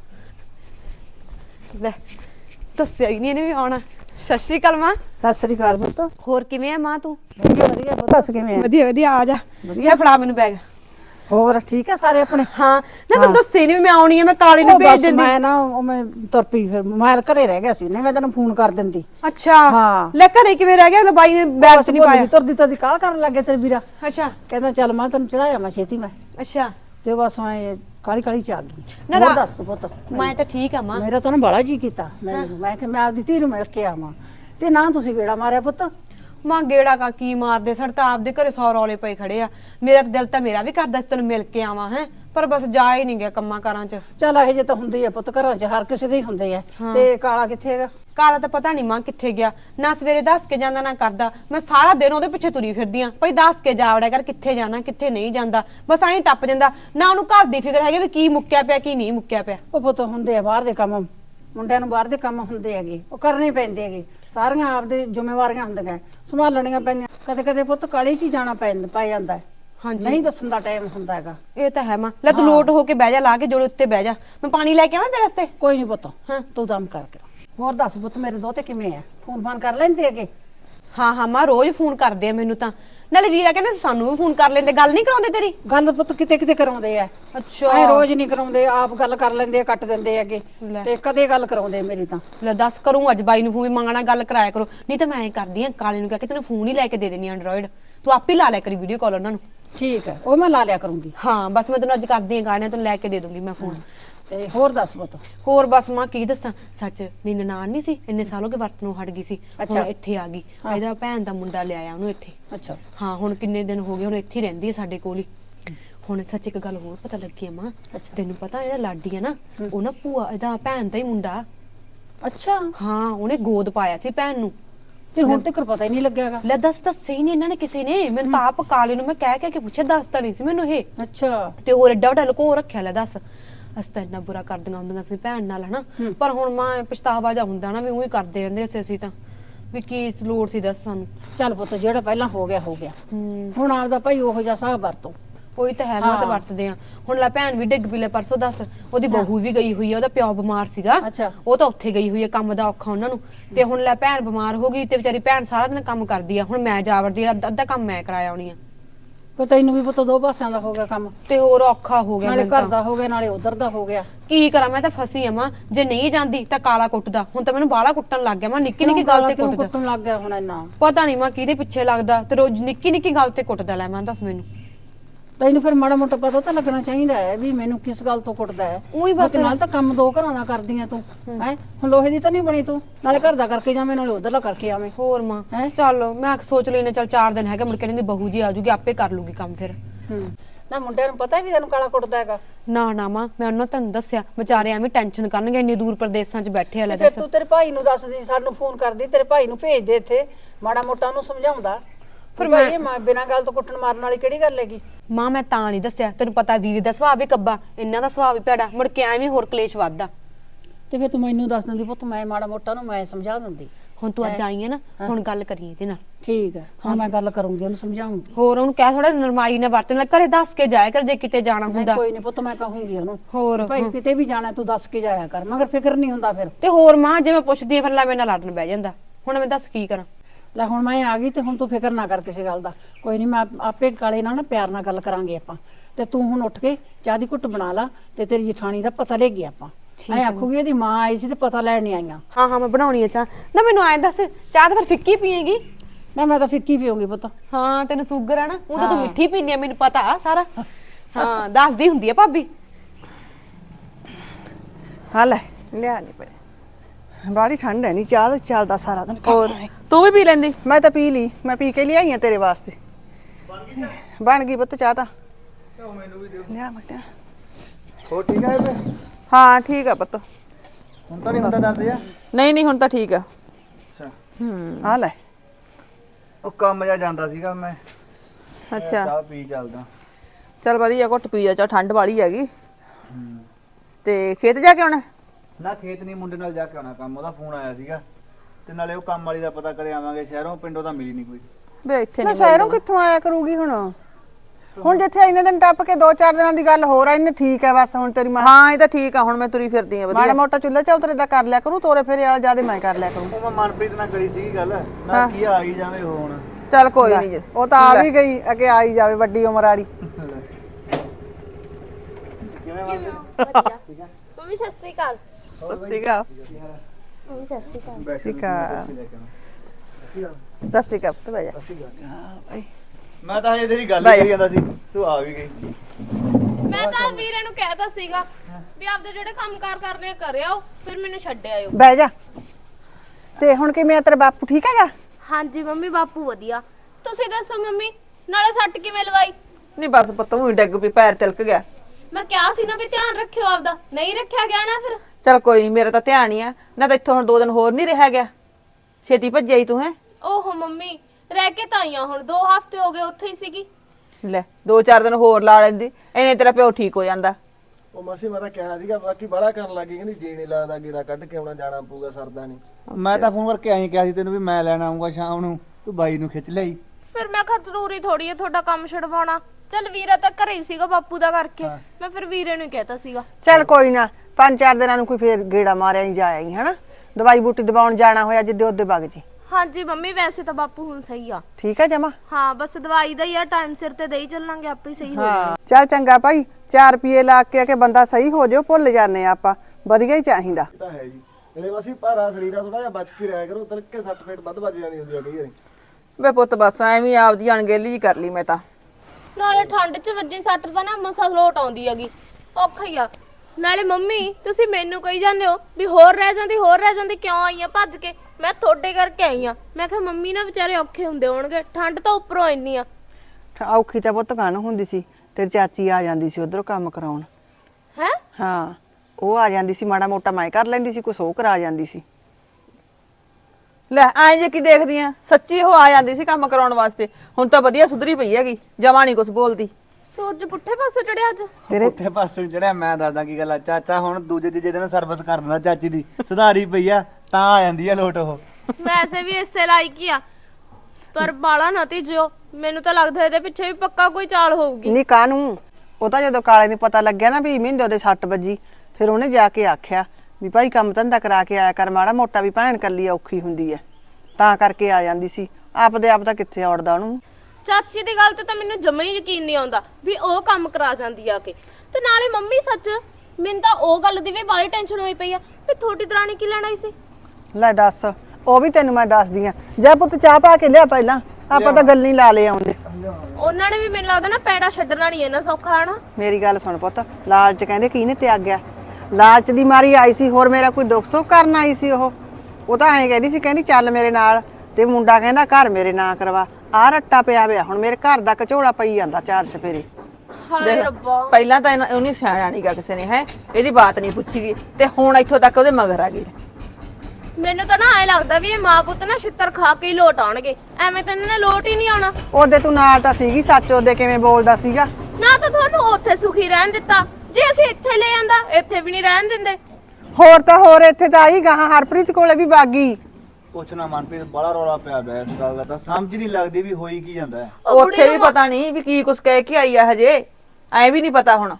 B: ਲੈ ਦੱਸਿਆ ਹੀ ਨਹੀਂ ਇਹਨੇ ਵੀ ਆਉਣਾ। ਸਤਿ ਸ਼੍ਰੀ ਅਕਾਲ ਮਾਂ।
C: ਸਤਿ ਸ੍ਰੀ ਅਕਾਲ ਪੁੱਤ।
B: ਹੋਰ ਕਿਵੇਂ ਆ ਮਾਂ ਤੂੰ?
C: ਵਧੀਆ ਵਧੀਆ ਪੁੱਤ, ਦੱਸ ਕਿਵੇਂ ਆ?
B: ਵਧੀਆ ਵਧੀਆ, ਆ ਜਾ
C: ਵਧੀਆ।
B: ਫੜਾ ਮੈਨੂੰ ਬੈਗ।
C: ਹੋਰ ਠੀਕ ਆ ਸਾਰੇ ਆਪਣੇ?
B: ਹਾਂ ਨਾ ਤੂੰ ਦੱਸੇ ਨਹੀਂ ਮੈਂ ਆਉਣੀ ਆ, ਮੈਂ ਕਾਲੀ ਨੂੰ
C: ਉਹ
B: ਭੇਜ
C: ਬਸ
B: ਦਿੰਦੀ।
C: ਮੈਂ ਨਾ ਉਹ ਮੈਂ ਤੁਰ ਪਈ, ਫਿਰ ਮੋਬਾਈਲ ਘਰੇ ਰਹਿ ਗਿਆ ਸੀ, ਨਹੀਂ ਮੈਂ ਤੈਨੂੰ ਫੋਨ ਕਰ ਦਿੰਦੀ।
B: ਅੱਛਾ
C: ਹਾਂ।
B: ਲੈ ਘਰੇ ਕਿਵੇਂ ਰਹਿ ਗਿਆ? ਲੈ ਬਾਈ ਨੇ ਬੈਗ ਚ ਨਹੀਂ ਪਾਇਆ।
C: ਤੁਰਦੀ ਤੁਰਦੀ ਕਾਲ ਕਰਨ ਲੱਗੇ ਤੇਰੇ ਵੀਰਾ,
B: ਅੱਛਾ
C: ਕਹਿੰਦਾ ਚੱਲ ਮੈਂ ਤੈਨੂੰ ਚੜਾਇਆ ਮੈਂ ਛੇਤੀ ਮੈਂ।
B: ਅੱਛਾ
C: ਤੇ ਬਸ ਮੈਂ ਕਾਲੀ ਕਾਲੀ ਚ ਆ ਗਈ।
B: ਨਾ
C: ਹੋਰ
B: ਰਾ-
C: ਦੱਸ ਤੂੰ ਪੁੱਤ।
B: ਮੈਂ ਤਾਂ ਠੀਕ ਆ ਮਾਂ।
C: ਮੇਰਾ ਤਾਂ ਨਾ ਬੜਾ ਜੀ ਕੀਤਾ, ਮੈਂ ਮੈਂ ਕਿ ਮੈਂ ਆਪਦੀ ਧੀ ਨੂੰ ਮਿਲ ਕੇ ਆਵਾਂ, ਤੇ ਨਾ ਤੁਸੀਂ ਗੇੜਾ ਮਾਰਿਆ ਪੁੱਤ।
B: ਮਾਂ ਗੇੜਾ ਕਾ ਕੀ ਮਾਰਦੇ ਸੜ ਤਾਂ ਆਪਦੇ ਘਰੇ ਸੌ ਰੌਲੇ ਪਏ ਖੜੇ ਆ। ਮੇਰਾ ਤਾਂ ਦਿਲ ਤਾਂ ਮੇਰਾ ਵੀ ਕਰਦਾ ਸੀ ਤੈਨੂੰ ਮਿਲ ਕੇ ਆਵਾਂ ਹੈ, ਪਰ ਬਸ ਜਾ ਹੀ ਨਹੀਂ ਗਿਆ ਕੰਮਾਂ ਕਾਰਾਂ 'ਚ।
C: ਚੱਲ ਇਹ ਜੇ ਤਾਂ ਹੁੰਦੀ ਆ ਪੁੱਤ, ਘਰਾਂ 'ਚ ਹਰ ਕਿਸੇ ਦੇ ਹੀ ਹੁੰਦੇ ਆ। ਤੇ ਕਾਲਾ ਕਿੱਥੇ ਹੈਗਾ?
B: ਕਾਲਾ ਤਾਂ ਪਤਾ ਨਹੀਂ ਮਾਂ ਕਿੱਥੇ ਗਿਆ, ਨਾ ਸਵੇਰੇ ਦੱਸ ਕੇ ਜਾਂਦਾ ਨਾ ਕਰਦਾ। ਮੈਂ ਸਾਰਾ ਦਿਨ ਉਹਦੇ ਪਿੱਛੇ ਤੁਰੀ ਫਿਰਦੀ ਆ, ਭਈ ਦੱਸ ਕੇ ਜਾ ਵੜਿਆ ਕਰ ਕਿੱਥੇ ਜਾਣਾ ਕਿੱਥੇ ਨਹੀਂ ਜਾਂਦਾ, ਬਸ ਐਂ ਟੱਪ ਜਾਂਦਾ। ਨਾ ਉਹਨੂੰ ਘਰ ਦੀ ਫਿਕਰ ਹੈਗੀ ਵੀ ਕੀ ਮੁੱਕਿਆ ਪਿਆ ਕੀ ਨਹੀਂ ਮੁੱਕਿਆ ਪਿਆ।
C: ਉਹ ਪੁੱਤ ਹੁੰਦੇ ਆ ਬਾਹਰ ਦੇ ਕੰਮ, ਮੁੰਡਿਆਂ ਨੂੰ ਬਾਹਰ ਦੇ ਕੰਮ ਹੁੰਦੇ ਹੈਗੇ, ਉਹ ਕਰਨੇ ਪੈਂਦੇ ਹੈਗੇ। ਸਾਰੀਆਂ ਆਪਦੇ ਜ਼ਿੰਮੇਵਾਰੀਆਂ ਹੁੰਦੀਆਂ, ਸੰਭਾਲਣੀਆਂ ਪੈਂਦੀਆਂ। ਕਦੇ ਕਦੇ ਪੁੱਤ ਕਾਲੀ 'ਚ ਹੀ ਜਾਣਾ ਪੈਂਦਾ ਪੈ ਜਾਂਦਾ ਹੈ।
B: ਹਾਂਜੀ
C: ਨਹੀਂ ਦੱਸਣ ਦਾ ਟਾਈਮ ਹੁੰਦਾ ਹੈਗਾ।
B: ਇਹ ਤਾਂ ਹੈ ਮਾਂ। ਲੈ ਤੂੰ ਲੋਟ ਹੋ ਕੇ ਬਹਿ ਜਾ, ਲਾ ਕੇ ਜੋੜੇ ਉੱਤੇ ਬਹਿ ਜਾ, ਮੈਂ ਪਾਣੀ ਲੈ ਕੇ ਆਵਾਂ ਤੇਰੇ ਵਾਸਤੇ।
C: ਕੋਈ ਨਹੀਂ ਪੁੱਤ, ਤੂੰ ਦਮ ਕਰਕੇ। ਹੋਰ ਦੱਸ ਪੁੱਤ, ਮੇਰੇ ਦੋਤੇ ਕਿਵੇਂ ਆ? ਫੋਨ ਫਾਨ ਕਰ ਲੈਂਦੇ ਹੈਗੇ?
B: ਹਾਂ ਹਾਂ ਮਾਂ, ਰੋਜ਼ ਫੋਨ ਕਰਦੇ ਆ ਮੈਨੂੰ ਤਾਂ। ਨਾਲੇ ਵੀਰਾ ਕਹਿੰਦੇ ਸਾਨੂੰ ਵੀ ਫੋਨ ਕਰ ਲੈਂਦੇ, ਗੱਲ ਨਹੀਂ ਕਰਾਉਂਦੇ ਤੇਰੀ?
C: ਗੱਲ ਪੁੱਤ ਕਿਤੇ ਕਿਤੇ ਕਰਾਉਂਦੇ ਆ,
B: ਅੱਛਾ
C: ਐ ਰੋਜ਼ ਨਹੀਂ ਕਰਾਉਂਦੇ। ਆਪ ਗੱਲ ਕਰ ਲੈਂਦੇ ਆ, ਕੱਟ ਦਿੰਦੇ ਹੈਗੇ, ਤੇ ਕਦੇ ਗੱਲ ਕਰਾਉਂਦੇ ਮੇਰੀ ਤਾਂ।
B: ਲੈ ਦੱਸ, ਕਰੂੰ ਅੱਜ ਬਾਈ ਨੂੰ ਫੋਨ, ਮੰਗਣਾ ਗੱਲ ਕਰਾਇਆ ਕਰੋ। ਨਹੀਂ ਤਾਂ ਮੈਂ ਐਂ ਕਰਦੀ ਆ, ਕਾਲੇ ਨੂੰ ਕਹਿ ਕੇ ਤੈਨੂੰ ਫੋਨ ਹੀ ਲੈ ਕੇ ਦੇ ਦੇਣੀ ਐਂਡਰੋਇਡ, ਤੂੰ ਆਪੇ ਲਾ ਲਿਆ ਕਰੀ ਵੀਡੀਓ ਕਾਲ ਉਹਨਾਂ ਨੂੰ।
C: ਠੀਕ ਹੈ, ਉਹ ਮੈਂ ਲਾ ਲਿਆ ਕਰੂੰਗੀ।
B: ਹਾਂ ਬਸ ਮੈਂ ਤੈਨੂੰ ਅੱਜ ਕਰਦੀ ਆ ਗਾਣੇ, ਤੈਨੂੰ ਲੈ ਕੇ ਦੇ ਦੂੰਗੀ ਮੈਂ ਫੋਨ।
C: ਤੇ ਹੋਰ ਦੱਸ ਪੁੱਤ।
B: ਹੋਰ ਬਸ ਮਾਂ ਕੀ ਦੱਸਾਂ, ਸੱਚ ਮੇਰੀ ਨਨਾਣ ਨਹੀਂ ਸੀ, ਇੰਨੇ ਸਾਲ ਹੋ ਗਏ ਵਰਤਨੋਂ ਹਟ ਗਈ ਸੀ,
C: ਅੱਛਾ।
B: ਹੁਣ ਇੱਥੇ ਆ ਗਈ। ਇਹਦਾ ਭੈਣ ਦਾ ਮੁੰਡਾ ਲਿਆਇਆ ਉਹਨੂੰ ਇੱਥੇ।
C: ਅੱਛਾ
B: ਹਾਂ ਹੁਣ ਕਿੰਨੇ ਦਿਨ ਹੋ ਗਏ, ਹੁਣ ਇੱਥੇ ਹੀ ਰਹਿੰਦੀ ਹੈ ਸਾਡੇ ਕੋਲ ਹੀ। ਹੁਣ ਸੱਚ ਇੱਕ ਗੱਲ ਹੋਰ ਪਤਾ ਲੱਗੀ ਆ ਮਾਂ,
C: ਅੱਛਾ।
B: ਤੈਨੂੰ ਪਤਾ ਜਿਹੜਾ ਲਾਡੀ ਆ ਨਾ, ਉਹ ਨਾ ਭੂਆ ਇਹਦਾ ਭੈਣ ਦਾ ਹੀ ਮੁੰਡਾ।
C: ਅੱਛਾ,
B: ਹਾਂ ਉਹਨੇ ਗੋਦ ਪਾਇਆ ਸੀ ਭੈਣ ਨੂੰ।
C: ਤੇ ਹੁਣ ਤੱਕ ਪਤਾ ਹੀ ਨਹੀਂ ਲੱਗਿਆਗਾ।
B: ਲੈ ਦੱਸ ਦੱਸੇ ਹੀ ਨਹੀਂ ਇਹਨਾਂ ਨੇ ਕਿਸੇ ਨੇ, ਮੈਨੂੰ ਤਾਂ ਆਪ ਕਾਲੇ ਨੂੰ ਮੈਂ ਕਹਿ ਕਹਿ ਕੇ ਪੁੱਛਿਆ, ਦੱਸਦਾ ਨਹੀਂ ਸੀ ਮੈਨੂੰ ਇਹ।
C: ਅੱਛਾ,
B: ਤੇ ਹੋਰ ਏਡਾ ਵੱਡਾ ਲੁਕੋ ਰੱਖਿਆ। ਲੈ ਦੱਸ, ਅਸੀਂ ਤਾਂ ਇੰਨਾ ਬੁਰਾ ਕਰਦੀਆਂ ਹੁੰਦੀਆਂ ਸੀ ਭੈਣ ਨਾਲ ਹਨਾ, ਪਰ ਹੁਣ ਮਾਂ ਪਛਤਾਵਾ ਜਾ ਹੁੰਦਾ ਨਾ ਵੀ ਉਹੀ ਕਰਦੇ ਰਹਿੰਦੇ ਸੀ ਅਸੀਂ ਤਾਂ, ਵੀ ਕੀ ਲੋੜ ਸੀ ਦੱਸ ਸਾਨੂੰ।
C: ਚੱਲ ਪੁੱਤ, ਜਿਹੜਾ ਪਹਿਲਾਂ ਹੋ ਗਿਆ ਹੋ ਗਿਆ,
B: ਹੂੰ
C: ਹੁਣ ਆਪਦਾ ਭਾਈ ਉਹੋ ਜਿਹਾ ਸਾਹ ਵਰਤੋ।
B: ਉਹੀ ਤਾਂ ਹੈ, ਮਾਂ ਤਾਂ ਵਰਤਦੇ ਆ। ਹੁਣ ਲੈ ਭੈਣ ਵੀ ਡਿੱਗ ਪਈ, ਲੈ ਪਰਸੋਂ ਦੱਸ, ਉਹਦੀ ਬਹੂ ਵੀ ਗਈ ਹੋਈ ਆ, ਉਹਦਾ ਪਿਓ ਬਿਮਾਰ ਸੀਗਾ,
C: ਅੱਛਾ।
B: ਉਹ ਤਾਂ ਉੱਥੇ ਗਈ ਹੋਈ ਆ, ਕੰਮ ਦਾ ਔਖਾ ਉਹਨਾਂ ਨੂੰ। ਤੇ ਹੁਣ ਲੈ ਭੈਣ ਬਿਮਾਰ ਹੋ ਗਈ, ਤੇ ਵਿਚਾਰੀ ਭੈਣ ਸਾਰਾ ਦਿਨ ਕੰਮ ਕਰਦੀ ਆ, ਹੁਣ ਮੈਂ ਜਾ ਵੜਦੀ ਆ, ਅੱਧਾ ਕੰਮ ਮੈਂ ਕਰਾਇਆ ਆਉਣੀ ਆ।
C: ਪਰ ਤੈਨੂੰ ਵੀ ਪੁੱਤ ਦੋ ਪਾਸਿਆਂ ਦਾ ਹੋ ਗਿਆ ਕੰਮ,
B: ਤੇ ਹੋਰ ਔਖਾ ਹੋ ਗਿਆ
C: ਨਾਲੇ
B: ਮੈਨੂੰ
C: ਘਰ
B: ਤਾਂ।
C: ਦਾ ਹੋ ਗਿਆ ਨਾਲੇ ਉਧਰ ਦਾ ਹੋ ਗਿਆ।
B: ਕੀ ਕਰਾਂ, ਮੈਂ ਤਾਂ ਫਸੀ ਆ ਮਾਂ। ਜੇ ਨਹੀਂ ਜਾਂਦੀ ਤਾਂ ਕਾਲਾ ਕੁੱਟਦਾ, ਹੁਣ ਤਾਂ ਮੈਨੂੰ ਬਾਹਲਾ ਕੁੱਟਣ ਲੱਗ ਗਿਆ। ਮਾਂ ਨਿੱਕੀ ਨਿੱਕੀ ਗੱਲ ਤੇ
C: ਕਿਉਂ
B: ਕੁੱਟਦਾ,
C: ਕੁੱਟਣ ਲੱਗ ਗਿਆ ਹੁਣ ਇੰਨਾ?
B: ਪਤਾ ਨਹੀਂ ਮਾਂ ਕਿਹਦੇ ਪਿੱਛੇ ਲੱਗਦਾ, ਤੇ ਰੋਜ਼ ਨਿੱਕੀ ਨਿੱਕੀ ਗੱਲ ਤੇ ਕੁੱਟਦਾ। ਲੈ ਮਾਂ ਦੱਸ ਮੈਨੂੰ।
C: ਤੈਨੂੰ ਫਿਰ ਮਾੜਾ ਮੋਟਾ ਪਤਾ ਤਾਂ ਲੱਗਣਾ ਚਾਹੀਦਾ ਹੈ ਵੀ ਮੈਨੂੰ ਕਿਸ ਗੱਲ ਤੋਂ ਕੁੱਟਦਾ ਹੈ।
B: ਉਹੀ ਬਸ
C: ਤੇ ਨਾਲ ਤਾਂ ਕੰਮ ਦੋ ਘਰਾਂ ਦਾ ਕਰਦੀ ਆ ਤੂੰ, ਹੈ ਹੁਣ ਲੋਹੇ ਦੀ ਤਾਂ ਨਹੀਂ ਬਣੀ ਤੂੰ, ਨਾਲੇ ਘਰ ਦਾ ਕਰਕੇ ਜਾਵੇਂ ਨਾਲੇ ਉਧਰਲਾ ਕਰਕੇ ਆਵੇਂ।
B: ਹੋਰ ਮਾਂ
C: ਹੈਂ?
B: ਚੱਲ ਮੈਂ ਸੋਚ ਲੈਨੇ, ਚੱਲ ਚਾਰ ਦਿਨ ਹੈਗਾ, ਮੁੜ ਕੇ ਕਹਿੰਦੀ ਬਹੂ ਜੀ ਆ ਜੂਗੀ, ਆਪੇ ਕਰ ਲੂਗੀ ਕੰਮ ਫਿਰ।
C: ਹੂੰ, ਨਾ ਮੁੰਡਿਆਂ ਨੂੰ ਪਤਾ ਵੀ ਤੈਨੂੰ ਕਾਲਾ ਕੁੱਟਦਾ ਹੈਗਾ?
B: ਨਾ ਨਾ ਮਾਂ, ਮੈਂ ਉਹਨਾਂ ਤੁਹਾਨੂੰ ਦੱਸਿਆ, ਵਿਚਾਰੇ ਐਵੇਂ ਟੈਨਸ਼ਨ ਕਰਨਗੇ, ਇੰਨੀ ਦੂਰ ਪ੍ਰਦੇਸ਼ਾਂ 'ਚ ਬੈਠੇ ਆ। ਲੈ
C: ਫਿਰ
B: ਦੱਸ,
C: ਤੂੰ ਤੇਰੇ ਭਾਈ ਨੂੰ ਦੱਸਦੀ, ਸਾਨੂੰ ਫੋਨ ਕਰਦੀ, ਤੇਰੇ ਭਾਈ ਨੂੰ ਭੇਜ ਦੇ ਇੱਥੇ, ਮਾੜਾ ਮੋਟਾ ਉਹਨੂੰ ਸਮਝਾਉਂਦਾ। ਫਿਰ ਮੈਂ ਬਿਨਾਂ ਗੱਲ ਤੋਂ ਕੁੱਟਣ ਮਾਰਨ ਵਾਲੀ ਕਿਹੜੀ ਗੱਲ ਹੈਗੀ?
B: ਮਾਂ ਮੈਂ ਤਾਂ ਨਹੀਂ ਦੱਸਿਆ, ਤੈਨੂੰ ਪਤਾ ਵੀਰ ਦਾ ਸੁਭਾਅ ਵੀ ਕੱਬਾ, ਇਹਨਾਂ ਦਾ ਸੁਭਾਅ ਵੀ ਭੈੜਾ, ਮੁੜ ਕੇ ਐਵੇਂ ਹੋਰ ਕਲੇਸ਼ ਵੱਧਦਾ।
C: ਤੇ ਫਿਰ ਤੂੰ ਮੈਨੂੰ ਦੱਸ ਦਿੰਦੀ ਪੁੱਤ, ਮੈਂ ਮਾੜਾ ਮੋਟਾ ਨੂੰ ਮੈਂ ਸਮਝਾ ਦਿੰਦੀ।
B: ਹੁਣ ਤੂੰ ਅੱਜ ਆਈ ਹੈ ਨਾ, ਹੁਣ ਗੱਲ ਕਰੀਏ ਇਹਦੇ ਨਾਲ।
C: ਠੀਕ ਹੈ, ਹਾਂ ਮੈਂ ਗੱਲ ਕਰੂੰਗੀ, ਉਹਨੂੰ ਸਮਝਾਉਂਗੀ।
B: ਹੋਰ ਉਹਨੂੰ ਕਹਿ ਥੋੜਾ ਨਰਮਾਈ ਨਾਲ ਵਰਤਣ, ਘਰੇ ਦੱਸ ਕੇ ਜਾਇਆ ਕਰ ਜੇ ਕਿਤੇ ਜਾਣਾ ਹੁੰਦਾ।
C: ਕੋਈ ਨਹੀਂ ਪੁੱਤ, ਮੈਂ ਕਹੂੰਗੀ ਉਹਨੂੰ।
B: ਹੋਰ
C: ਭਾਈ ਕਿਤੇ ਵੀ ਜਾਣਾ ਤੂੰ ਦੱਸ ਕੇ ਜਾਇਆ ਕਰ, ਮਗਰ ਫਿਕਰ ਨਹੀਂ ਹੁੰਦਾ ਫਿਰ।
B: ਤੇ ਹੋਰ ਮਾਂ, ਜੇ ਮੈਂ ਪੁੱਛਦੀ ਆ ਫਿਰ ਲੈ ਮੇਰੇ ਨਾਲ ਲੜਨ ਬਹਿ ਜਾਂਦਾ, ਹੁਣ ਮੈਂ ਦੱਸ ਕੀ ਕਰਾਂ।
C: ਲੈ ਹੁਣ ਮੈਂ ਆ ਗਈ ਤੇ ਹੁਣ ਤੂੰ ਫਿਕਰ ਨਾ ਕਰ ਕਿਸੇ ਗੱਲ ਦਾ। ਕੋਈ ਨਹੀਂ, ਮੈਂ ਆਪੇ ਕਾਲੇ ਨਾਲ ਨਾ ਪਿਆਰ ਨਾਲ ਗੱਲ ਕਰਾਂਗੇ ਆਪਾਂ। ਤੇ ਤੂੰ ਹੁਣ ਉੱਠ ਕੇ ਚਾਹ ਦੀ ਘੁੱਟ ਬਣਾ ਲਾ, ਤੇ ਤੇਰੀ ਜਠਾਣੀ ਦਾ ਪਤਾ ਲੈ ਗਿਆ ਆਪਾਂ। ਐ ਆਖੂਗੀ ਇਹਦੀ ਮਾਂ ਆਈ ਸੀ ਤੇ ਪਤਾ ਲੈਣ ਨਹੀਂ ਆਈਆਂ।
B: ਹਾਂ ਹਾਂ ਮੈਂ ਬਣਾਉਣੀ ਆ ਚਾਹ। ਨਾ ਮੈਨੂੰ ਐਂ ਦੱਸ, ਚਾਹ ਤਾਂ ਫਿਰ ਫਿੱਕੀ ਪੀਏਗੀ?
C: ਨਾ ਮੈਂ ਤਾਂ ਫਿੱਕੀ ਪੀਉਂਗੀ ਪੁੱਤ।
B: ਹਾਂ ਤੈਨੂੰ ਸ਼ੂਗਰ ਆ ਨਾ, ਉਹ ਤਾਂ ਤੂੰ ਮਿੱਠੀ ਪੀਂਦੀ ਆ, ਮੈਨੂੰ ਪਤਾ ਆ ਸਾਰਾ। ਹਾਂ ਦੱਸਦੀ ਹੁੰਦੀ ਆ ਭਾਬੀ।
E: ਹਾਂ ਲੈ ਲਿਆ ਨਹੀਂ ਪਏ, ਬਾਹਲੀ ਠੰਡ ਹੈ ਨਹੀਂ, ਚਾਹ ਤਾਂ ਚੱਲਦਾ ਸਾਰਾ ਦਿਨ।
F: ਹੋਰ ਤੂੰ ਵੀ ਪੀ ਲੈਂਦੀ? ਮੈਂ ਤਾਂ ਪੀ ਲਈ, ਮੈਂ ਪੀ ਕੇ ਲਿਆਈ ਆ ਤੇਰੇ ਵਾਸਤੇ। ਬਣ ਗਈ ਪੁੱਤ ਚਾਹ ਤਾਂ। ਲਿਆ ਮਟਿਆ।
D: ਹੋਰ ਠੀਕ ਆ ਬੇ?
F: ਹਾਂ ਠੀਕ ਆ ਪੁੱਤ।
D: ਹੁਣ ਤਾਂ ਨਹੀਂ ਹੁੰਦਾ ਦਰਦ ਆ?
F: ਨਹੀਂ ਨਹੀਂ ਹੁਣ ਤਾਂ ਠੀਕ ਆ।
D: ਅੱਛਾ,
F: ਹੂੰ
E: ਹਾਂ ਲੈ
D: ਉਹ ਕੰਮ ਜਾ ਜਾਂਦਾ ਸੀਗਾ ਮੈਂ,
F: ਅੱਛਾ
D: ਚਾਹ ਪੀ ਚੱਲਦਾ।
F: ਚੱਲ ਵਧੀਆ, ਘੁੱਟ ਪੀ ਜਾ ਚਾਹ, ਠੰਡ ਵਾਲੀ ਹੈਗੀ। ਤੇ ਖੇਤ ਜਾ ਕੇ ਆਉਣਾ?
D: ਨਾ ਖੇਤ ਨਹੀਂ, ਮੁੰਡੇ ਨਾਲ ਜਾ ਕੇ ਆਉਣਾ ਕੰਮ, ਉਹਦਾ ਫੋਨ ਆਇਆ ਸੀਗਾ, ਤੇ ਨਾਲੇ ਉਹ ਕੰਮ ਵਾਲੀ ਦਾ ਪਤਾ ਕਰੇ ਆਵਾਂਗੇ। ਸ਼ਹਿਰੋਂ ਪਿੰਡੋਂ ਤਾਂ ਮਿਲੀ ਨਹੀਂ ਕੋਈ।
F: ਵੇ ਇੱਥੇ
E: ਨਾ
F: ਨਹੀਂ
E: ਸ਼ਹਿਰੋਂ ਕਿੱਥੋਂ ਆਇਆ ਕਰੂਗੀ ਹੁਣ? ਹੁਣ ਜਿੱਥੇ ਇੰਨੇ ਦਿਨ ਟੱਪ ਕੇ ਦੋ ਚਾਰ ਦਿਨਾਂ ਦੀ ਗੱਲ ਹੋਰ ਆ, ਇਹਨੇ ਠੀਕ ਹੈ ਬਸ। ਹੁਣ ਤੇਰੀ ਮਾਂ
F: ਹਾਂ ਇਹ ਤਾਂ ਠੀਕ ਆ, ਹੁਣ ਮੈਂ ਤੁਰੀ ਫਿਰਦੀ ਆ
E: ਮਾੜਾ
F: ਵਧੀਆ।
E: ਮੋਟਾ ਚੁੱਲ੍ਹੇ ਚੌਤਰੇ ਦਾ ਕਰ ਲਿਆ ਕਰੂ, ਤੋਰੇ ਫੇਰੇ ਵਾਲਾ ਜਿਆਦਾ ਮੈਂ ਕਰ ਲਿਆ ਕਰੂੰ।
D: ਉਹ ਮੈਂ ਮਨਪ੍ਰੀਤ ਨਾਲ ਕਰੀ ਸੀਗੀ ਗੱਲ, ਮੈਂ ਕੀ ਆ ਹੀ ਜਾਵੇ ਉਹ ਹੁਣ।
F: ਚੱਲ ਕੋਈ ਨਹੀਂ,
E: ਉਹ ਤਾਂ ਆ ਵੀ ਗਈ, ਅੱਗੇ ਆ ਹੀ ਜਾਵੇ ਵੱਡੀ ਉਮਰ ਵਾਲੀ।
D: ਕਿਵੇਂ ਮਨਪ੍ਰੀਤ?
A: ਮੰਮੀ ਸਤਿ ਸ਼੍ਰੀ ਅਕਾਲ।
F: ਠੀਕ ਆ।
A: ਮੰਮੀ ਸਤਿ ਸ਼੍ਰੀ ਅਕਾਲ।
E: ਠੀਕ ਆ।
F: ਸਤਿ ਸ਼੍ਰੀ ਅਕਾਲ ਪੁੱਤ, ਬਹਿ ਜਾ।
D: ਮੈਂ ਤਾਂ ਹਜੇ ਤੇਰੀ ਗੱਲ ਹੀ ਕਰੀ ਜਾਂਦਾ ਸੀ, ਤੂੰ ਆ ਵੀ ਗਈ।
A: ਮੈਂ ਤਾਂ ਵੀਰੇ ਨੂੰ ਕਹਿਤਾ ਸੀਗਾ ਵੀ ਆਪਦੇ ਜਿਹੜੇ ਕੰਮਕਾਰ ਕਰਨੇ ਆ ਕਰਿਓ, ਫਿਰ ਮੈਨੂੰ ਛੱਡ ਆਇਓ।
E: ਬਹਿ ਜਾ। ਤੇ ਹੁਣ ਕਿਵੇਂ ਆ, ਤੇਰਾ ਬਾਪੂ ਠੀਕ ਹੈਗਾ?
A: ਹਾਂਜੀ ਮੰਮੀ ਬਾਪੂ ਵਧੀਆ। ਤੁਸੀਂ ਦੱਸੋ ਮੰਮੀ, ਨਾਲੇ ਸੱਟ ਕਿਵੇਂ ਲਵਾਈ?
G: ਨਹੀਂ ਬਸ ਪੁੱਤ ਉਹੀ ਡਿੱਗ ਪਈ, ਪੈਰ ਤਿਲਕ ਗਿਆ।
A: ਮੈਂ ਕਿਹਾ ਸੀ ਨਾ ਵੀ ਧਿਆਨ ਰੱਖਿਓ ਆਪਦਾ, ਨਹੀਂ ਰੱਖਿਆ ਗਿਆ ਨਾ ਫਿਰ।
G: ਚਲ ਕੋਈ ਨਹੀਂ, ਮੇਰਾ ਤਾਂ ਧਿਆਨ ਹੀ ਆ ਨਾ। ਤਾਂ ਇੱਥੋਂ ਹੁਣ ਦੋ ਦਿਨ ਹੋਰ ਨਹੀਂ ਰਿਹਾ ਗਿਆ, ਛੇਤੀ ਭੱਜਿਆ ਹੀ ਤੂੰ ਹੈ।
A: ਓਹੋ ਮੰਮੀ, ਰਹਿ ਕੇ ਤਾਂ ਆਈਆਂ, ਹੁਣ ਦੋ ਹਫ਼ਤੇ ਹੋ ਗਏ ਉੱਥੇ ਹੀ ਸੀਗੀ।
G: ਲੈ ਦੋ ਚਾਰ ਦਿਨ ਹੋਰ ਲਾ ਲੈਂਦੀ, ਇਹਨੇ ਤੇਰਾ ਪਿਓ ਠੀਕ ਹੋ ਜਾਂਦਾ।
D: ਉਹ ਮਾਸੀ ਮੈਂ ਤਾਂ ਕਿਹਾ ਸੀਗਾ, ਬਾਕੀ ਬੜਾ ਕਰਨ ਲੱਗੀ, ਕਹਿੰਦੀ ਜੀ ਨਹੀਂ ਲੱਗਦਾ, ਗੇੜਾ ਕੱਢ ਕੇ ਆਉਣਾ ਜਾਣਾ ਪਊਗਾ, ਸਰਦਾ ਨਹੀਂ।
H: ਮੈਂ ਤਾਂ ਫੋਨ ਕਰਕੇ ਐਂ ਕਿਹਾ ਸੀ ਤੈਨੂੰ ਵੀ ਮੈਂ ਲੈਣ ਆਉਂਗਾ ਸ਼ਾਮ ਨੂੰ, ਤੂੰ ਬਾਈ ਨੂੰ ਖਿੱਚ ਲਈ।
A: ਫਿਰ ਮੈਂ ਕਿਹਾ ਜ਼ਰੂਰੀ ਥੋੜੀ ਹੈ ਤੁਹਾਡਾ ਕੰਮ ਛਡਵਾਉਣਾ। ਚੱਲ ਵੀਰਾ ਤਾਂ ਘਰੇ ਹੀ ਸੀਗਾ ਬਾਪੂ ਦਾ ਕਰਕੇ, ਮੈਂ ਫਿਰ ਵੀਰੇ ਨੂੰ ਕਹਿਤਾ ਸੀਗਾ।
F: ਚੱਲ ਕੋਈ ਨਾ, ਪੰਜ ਚਾਰ ਦਿਨਾਂ ਨੂੰ ਕੋਈ ਫੇਰ ਗੇੜਾ ਮਾਰਿਆ ਹੀ ਜਾਇਆ ਹੀ ਹਨਾ। ਦਵਾਈ ਬੂਟੀ ਦਵਾਉਣ ਜਾਣਾ ਹੋਇਆ ਜਿੱਦੇ ਉਹਦੇ ਵਗ ਜੀ।
A: ਹਾਂਜੀ ਮੰਮੀ, ਵੈਸੇ ਤਾਂ ਬਾਪੂ ਹੁਣ ਸਹੀ ਆ।
F: ਠੀਕ ਹੈ ਜਮਾ।
A: ਹਾਂ ਬਸ ਦਵਾਈ ਦਾ ਹੀ ਆ, ਟਾਈਮ ਸਿਰ ਤੇ ਦੇਈ ਚੱਲਾਂਗੇ, ਆਪੇ ਸਹੀ ਹੋ
F: ਹਾਂ
A: ਜਾਣਾ।
F: ਚੱਲ ਚੰਗਾ ਭਾਈ, ਚਾਰ ਰੁਪਏ ਲਾ ਕੇ ਆ ਕੇ ਬੰਦਾ ਸਹੀ ਹੋ ਜਾਓ, ਭੁੱਲ ਜਾਂਦੇ ਆ ਆਪਾਂ, ਵਧੀਆ ਹੀ ਚਾਹੀਦਾ।
D: ਇਹ ਤਾਂ ਹੈ ਜੀ, ਮੇਰੇ ਮਾਸੀ ਭਾਰਾ ਸਰੀਰ ਆ, ਥੋੜਾ ਜਿਹਾ ਬਚ ਕੇ ਰਹਿਆ ਕਰੋ, ਤਲਕੇ ਸੱਟ ਫੇਟ ਵੱਧ ਵੱਜ ਜਾਂਦੀ ਹੁੰਦੀ ਆ ਕਈ ਵਾਰੀ।
G: ਵੇ ਪੁੱਤ ਬਸ ਐਵੇਂ ਆਪਦੀ ਅਣਗਹਿਲੀ ਜੀ ਕਰ ਲਈ ਮੈਂ ਤਾਂ।
A: ਨਾਲੇ ਠੰਡ 'ਚ ਵੱਜੀ ਸੱਟ ਤਾਂ ਨਾ ਮਸਾ ਲੋਟ ਆਉਂਦੀ ਹੈਗੀ, ਔਖਾ ਹੀ ਆ। ਨਾਲੇ ਮੰਮੀ ਤੁਸੀਂ ਮੈਨੂੰ ਕਹੀ ਜਾਂਦੇ ਹੋ ਵੀ ਹੋਰ ਰਹਿ ਜਾਂਦੀ ਹੋਰ ਰਹਿ ਜਾਂਦੀ, ਕਿਉਂ ਆਈ ਆ ਭੱਜ ਕੇ? ਮੈਂ ਤੁਹਾਡੇ ਕਰਕੇ ਆਈ ਆ। ਮੈਂ ਕਿਹਾ ਮੰਮੀ ਨਾ ਵਿਚਾਰੇ ਔਖੇ ਹੁੰਦੇ ਹੋਣਗੇ, ਠੰਡ ਤਾਂ ਉੱਪਰੋਂ ਇੰਨੀ ਆ।
F: ਔਖੀ ਤਾਂ ਪੁੱਤ ਕਾਹਨੂੰ ਹੁੰਦੀ ਸੀ, ਤੇਰੀ ਚਾਚੀ ਆ ਜਾਂਦੀ ਸੀ ਉਧਰੋਂ ਕੰਮ ਕਰਾਉਣ।
A: ਹੈ
F: ਹਾਂ ਉਹ ਆ ਜਾਂਦੀ ਸੀ, ਮਾੜਾ ਮੋਟਾ ਮੈਂ ਕਰ ਲੈਂਦੀ ਸੀ, ਕੁਛ ਉਹ ਕਰਾ ਜਾਂਦੀ ਸੀ।
G: ਲੈ ਐਂ ਜੇ ਕੀ ਦੇਖਦੀ ਆ, ਸੱਚੀ ਉਹ ਆ ਜਾਂਦੀ ਸੀ ਕੰਮ ਕਰਾਉਣ ਵਾਸਤੇ। ਹੁਣ ਤਾਂ ਵਧੀਆ ਸੁਧਰੀ ਪਈ ਹੈਗੀ, ਜਮਾ ਨਹੀਂ ਕੁਛ ਬੋਲਦੀ।
A: ਸੂਰਜ ਪੁੱਠੇ ਪਾਸੇ ਚੜਿਆ ਅੱਜ।
F: ਤੇਰੇ
H: ਉੱਥੇ ਪਾਸੇ ਨੂੰ ਚੜਿਆ, ਮੈਂ ਦੱਸਦਾ ਕੀ ਗੱਲ ਆ। ਚਾਚਾ ਹੁਣ ਦੂਜੇ ਤੀਜੇ ਦਿਨ ਸਰਵਿਸ ਕਰ ਦਿੰਦਾ ਚਾਚੀ ਦੀ, ਸੁਧਾਰੀ ਪਈ ਆ ਤਾਂ ਆ ਜਾਂਦੀ ਆ ਲੋਟ ਉਹ।
A: ਵੈਸੇ ਵੀ ਇਸੇ ਲਾਇਕ ਹੀ ਆ, ਪਰ ਬਾਲਾ ਨਾ ਤੀਜੋ, ਮੈਨੂੰ ਤਾਂ ਲੱਗਦਾ ਇਹਦੇ ਪਿੱਛੇ ਵੀ ਪੱਕਾ ਕੋਈ ਚਾਲ ਹੋਊਗੀ।
F: ਨਹੀਂ ਕਾਹਨੂੰ, ਉਹ ਤਾਂ ਜਦੋਂ ਕਾਲੇ ਨੂੰ ਪਤਾ ਲੱਗਿਆ ਨਾ ਵੀ ਮਿੰਦੋ ਦੇ ਸੱਟ ਵੱਜੀ, ਫਿਰ ਉਹਨੇ ਜਾ ਕੇ ਆਖਿਆ ਵੀ ਭਾਈ ਕੰਮ ਧੰਦਾ ਕਰਾ ਕੇ ਆਇਆ ਕਰ, ਮਾੜਾ ਮੋਟਾ ਵੀ ਭੈਣ ਕੱਲੀ ਔਖੀ ਹੁੰਦੀ ਹੈ, ਤਾਂ ਕਰਕੇ ਆ ਜਾਂਦੀ ਸੀ। ਆਪਦੇ ਆਪ ਤਾਂ ਕਿੱਥੇ ਔੜਦਾ ਉਹਨੂੰ।
A: ਚਾਚੀ ਦੀ ਗੱਲ ਤੇ ਤਾਂ ਮੈਨੂੰ ਜਮਾ ਹੀ ਯਕੀਨ ਨਹੀਂ ਆਉਂਦਾ ਵੀ ਉਹ ਕੰਮ ਕਰਾ ਜਾਂਦੀ ਆ ਕੇ। ਤੇ ਨਾਲੇ ਮੰਮੀ ਸੱਚ, ਮੈਨੂੰ ਤਾਂ ਉਹ ਗੱਲ ਦੀ ਵੀ ਬਾਲੀ ਟੈਨਸ਼ਨ ਹੋਈ ਪਈ ਆ ਵੀ ਤੁਹਾਡੀ ਦਰਾਣੀ ਕੀ ਲੈਣ ਆਈ ਸੀ।
F: ਲੈ ਦੱਸ, ਉਹ ਵੀ ਤੈਨੂੰ ਮੈਂ ਦੱਸਦੀ ਆ। ਜਾ ਪੁੱਤ ਚਾਹ ਪਾ ਕੇ ਲਿਆ ਪਹਿਲਾਂ, ਆਪਾਂ ਤਾਂ ਗੱਲ ਨਹੀਂ ਲਾ ਲਿਆ ਆਉਂਦੇ।
A: ਉਹਨਾਂ ਨੇ ਵੀ ਮੈਨੂੰ ਲੱਗਦਾ ਨਾ ਪੈੜਾ ਛੱਡਣਾ ਨਹੀਂ ਇਹਨਾਂ ਸੌਖਾ ਹਨਾ।
F: ਮੇਰੀ ਗੱਲ ਸੁਣ ਪੁੱਤ, ਲਾਲਚ ਕਹਿੰਦੇ ਕੀ ਨੇ ਤਿਆਗਿਆ। ਲਾਲਚ ਦੀ ਮਾਰੀ ਆਈ ਸੀ, ਹੋਰ ਮੇਰਾ ਕੋਈ ਦੁੱਖ ਸੁੱਖ ਕਰਨ ਆਈ ਸੀ ਉਹ। ਉਹ ਤਾਂ ਐਂ ਕਹਿੰਦੀ ਸੀ, ਕਹਿੰਦੀ ਚੱਲ ਮੇਰੇ ਨਾਲ, ਤੇ ਮੁੰਡਾ ਕਹਿੰਦਾ ਘਰ ਮੇਰੇ ਨਾਂ ਕਰਵਾ। ਆਹ ਰੱਟਾ ਪਿਆ ਪਿਆ ਹੁਣ ਮੇਰੇ ਘਰ ਦਾ ਕਚੋਲਾ ਪਈ ਜਾਂਦਾ ਚਾਰ ਚਫੇਰੇ।
A: ਹਾਏ ਰੱਬਾ,
G: ਪਹਿਲਾਂ ਤਾਂ ਇਹਨਾਂ- ਉਹਨੇ ਸਿਆਣਾ ਨਹੀਂਗਾ ਕਿਸੇ ਨੇ, ਹੈ ਇਹਦੀ ਬਾਤ ਨਹੀਂ ਪੁੱਛੀ ਗਈ, ਤੇ ਹੁਣ ਇੱਥੋਂ ਤੱਕ ਉਹਦੇ ਮਗਰ ਆ ਗਈ।
A: ਮੈਨੂੰ ਤਾਂ ਨਾ ਐ ਲੱਗਦਾ ਵੀ ਇਹ ਮਾਂ ਪੁੱਤ ਨਾ ਛਿੱਤਰ ਖਾ ਕੇ ਹੀ ਲੋਟ ਆਉਣਗੇ, ਐਵੇਂ ਤਾਂ ਇਹਨਾਂ ਨੇ ਲੋਟ ਹੀ ਨਹੀਂ ਆਉਣਾ।
F: ਉਹਦੇ ਤੂੰ ਨਾਲ ਤਾਂ ਸੀਗੀ, ਸੱਚ ਉਹਦੇ ਕਿਵੇਂ ਬੋਲਦਾ ਸੀਗਾ।
A: ਨਾ ਤਾਂ ਤੁਹਾਨੂੰ ਉੱਥੇ ਸੁਖੀ ਰਹਿਣ ਦਿੱਤਾ, ਜੇ ਅਸੀਂ ਇੱਥੇ ਲੈ ਆਂਦਾ ਇੱਥੇ ਵੀ ਨਹੀਂ ਰਹਿਣ ਦਿੰਦੇ।
F: ਹੋਰ ਤਾਂ ਹੋਰ, ਇੱਥੇ ਤਾਂ ਆਈ ਗਾਹਾਂ ਹਰਪ੍ਰੀਤ ਕੋਲੇ ਵੀ ਬਾਗੀ।
H: ਪੁੱਛਣਾ ਮਨਪ੍ਰੀਤ, ਬੜਾ ਰੌਲਾ ਪਿਆ ਪਿਆ ਇਸ ਗੱਲ ਦਾ, ਤਾਂ ਸਮਝ ਨਹੀਂ ਲੱਗਦੀ ਵੀ ਹੋਈ ਕੀ ਜਾਂਦਾ ਹੈ।
A: ਉਹ ਬੁੜੀ
G: ਉੱਥੇ ਵੀ
A: ਨੂੰ-
G: ਪਤਾ ਨਹੀਂ ਵੀ ਕੀ ਕੁਛ ਕਹਿ ਕੇ ਆਈ ਆ, ਹਜੇ ਐ ਵੀ ਨਹੀਂ ਪਤਾ ਹੁਣ।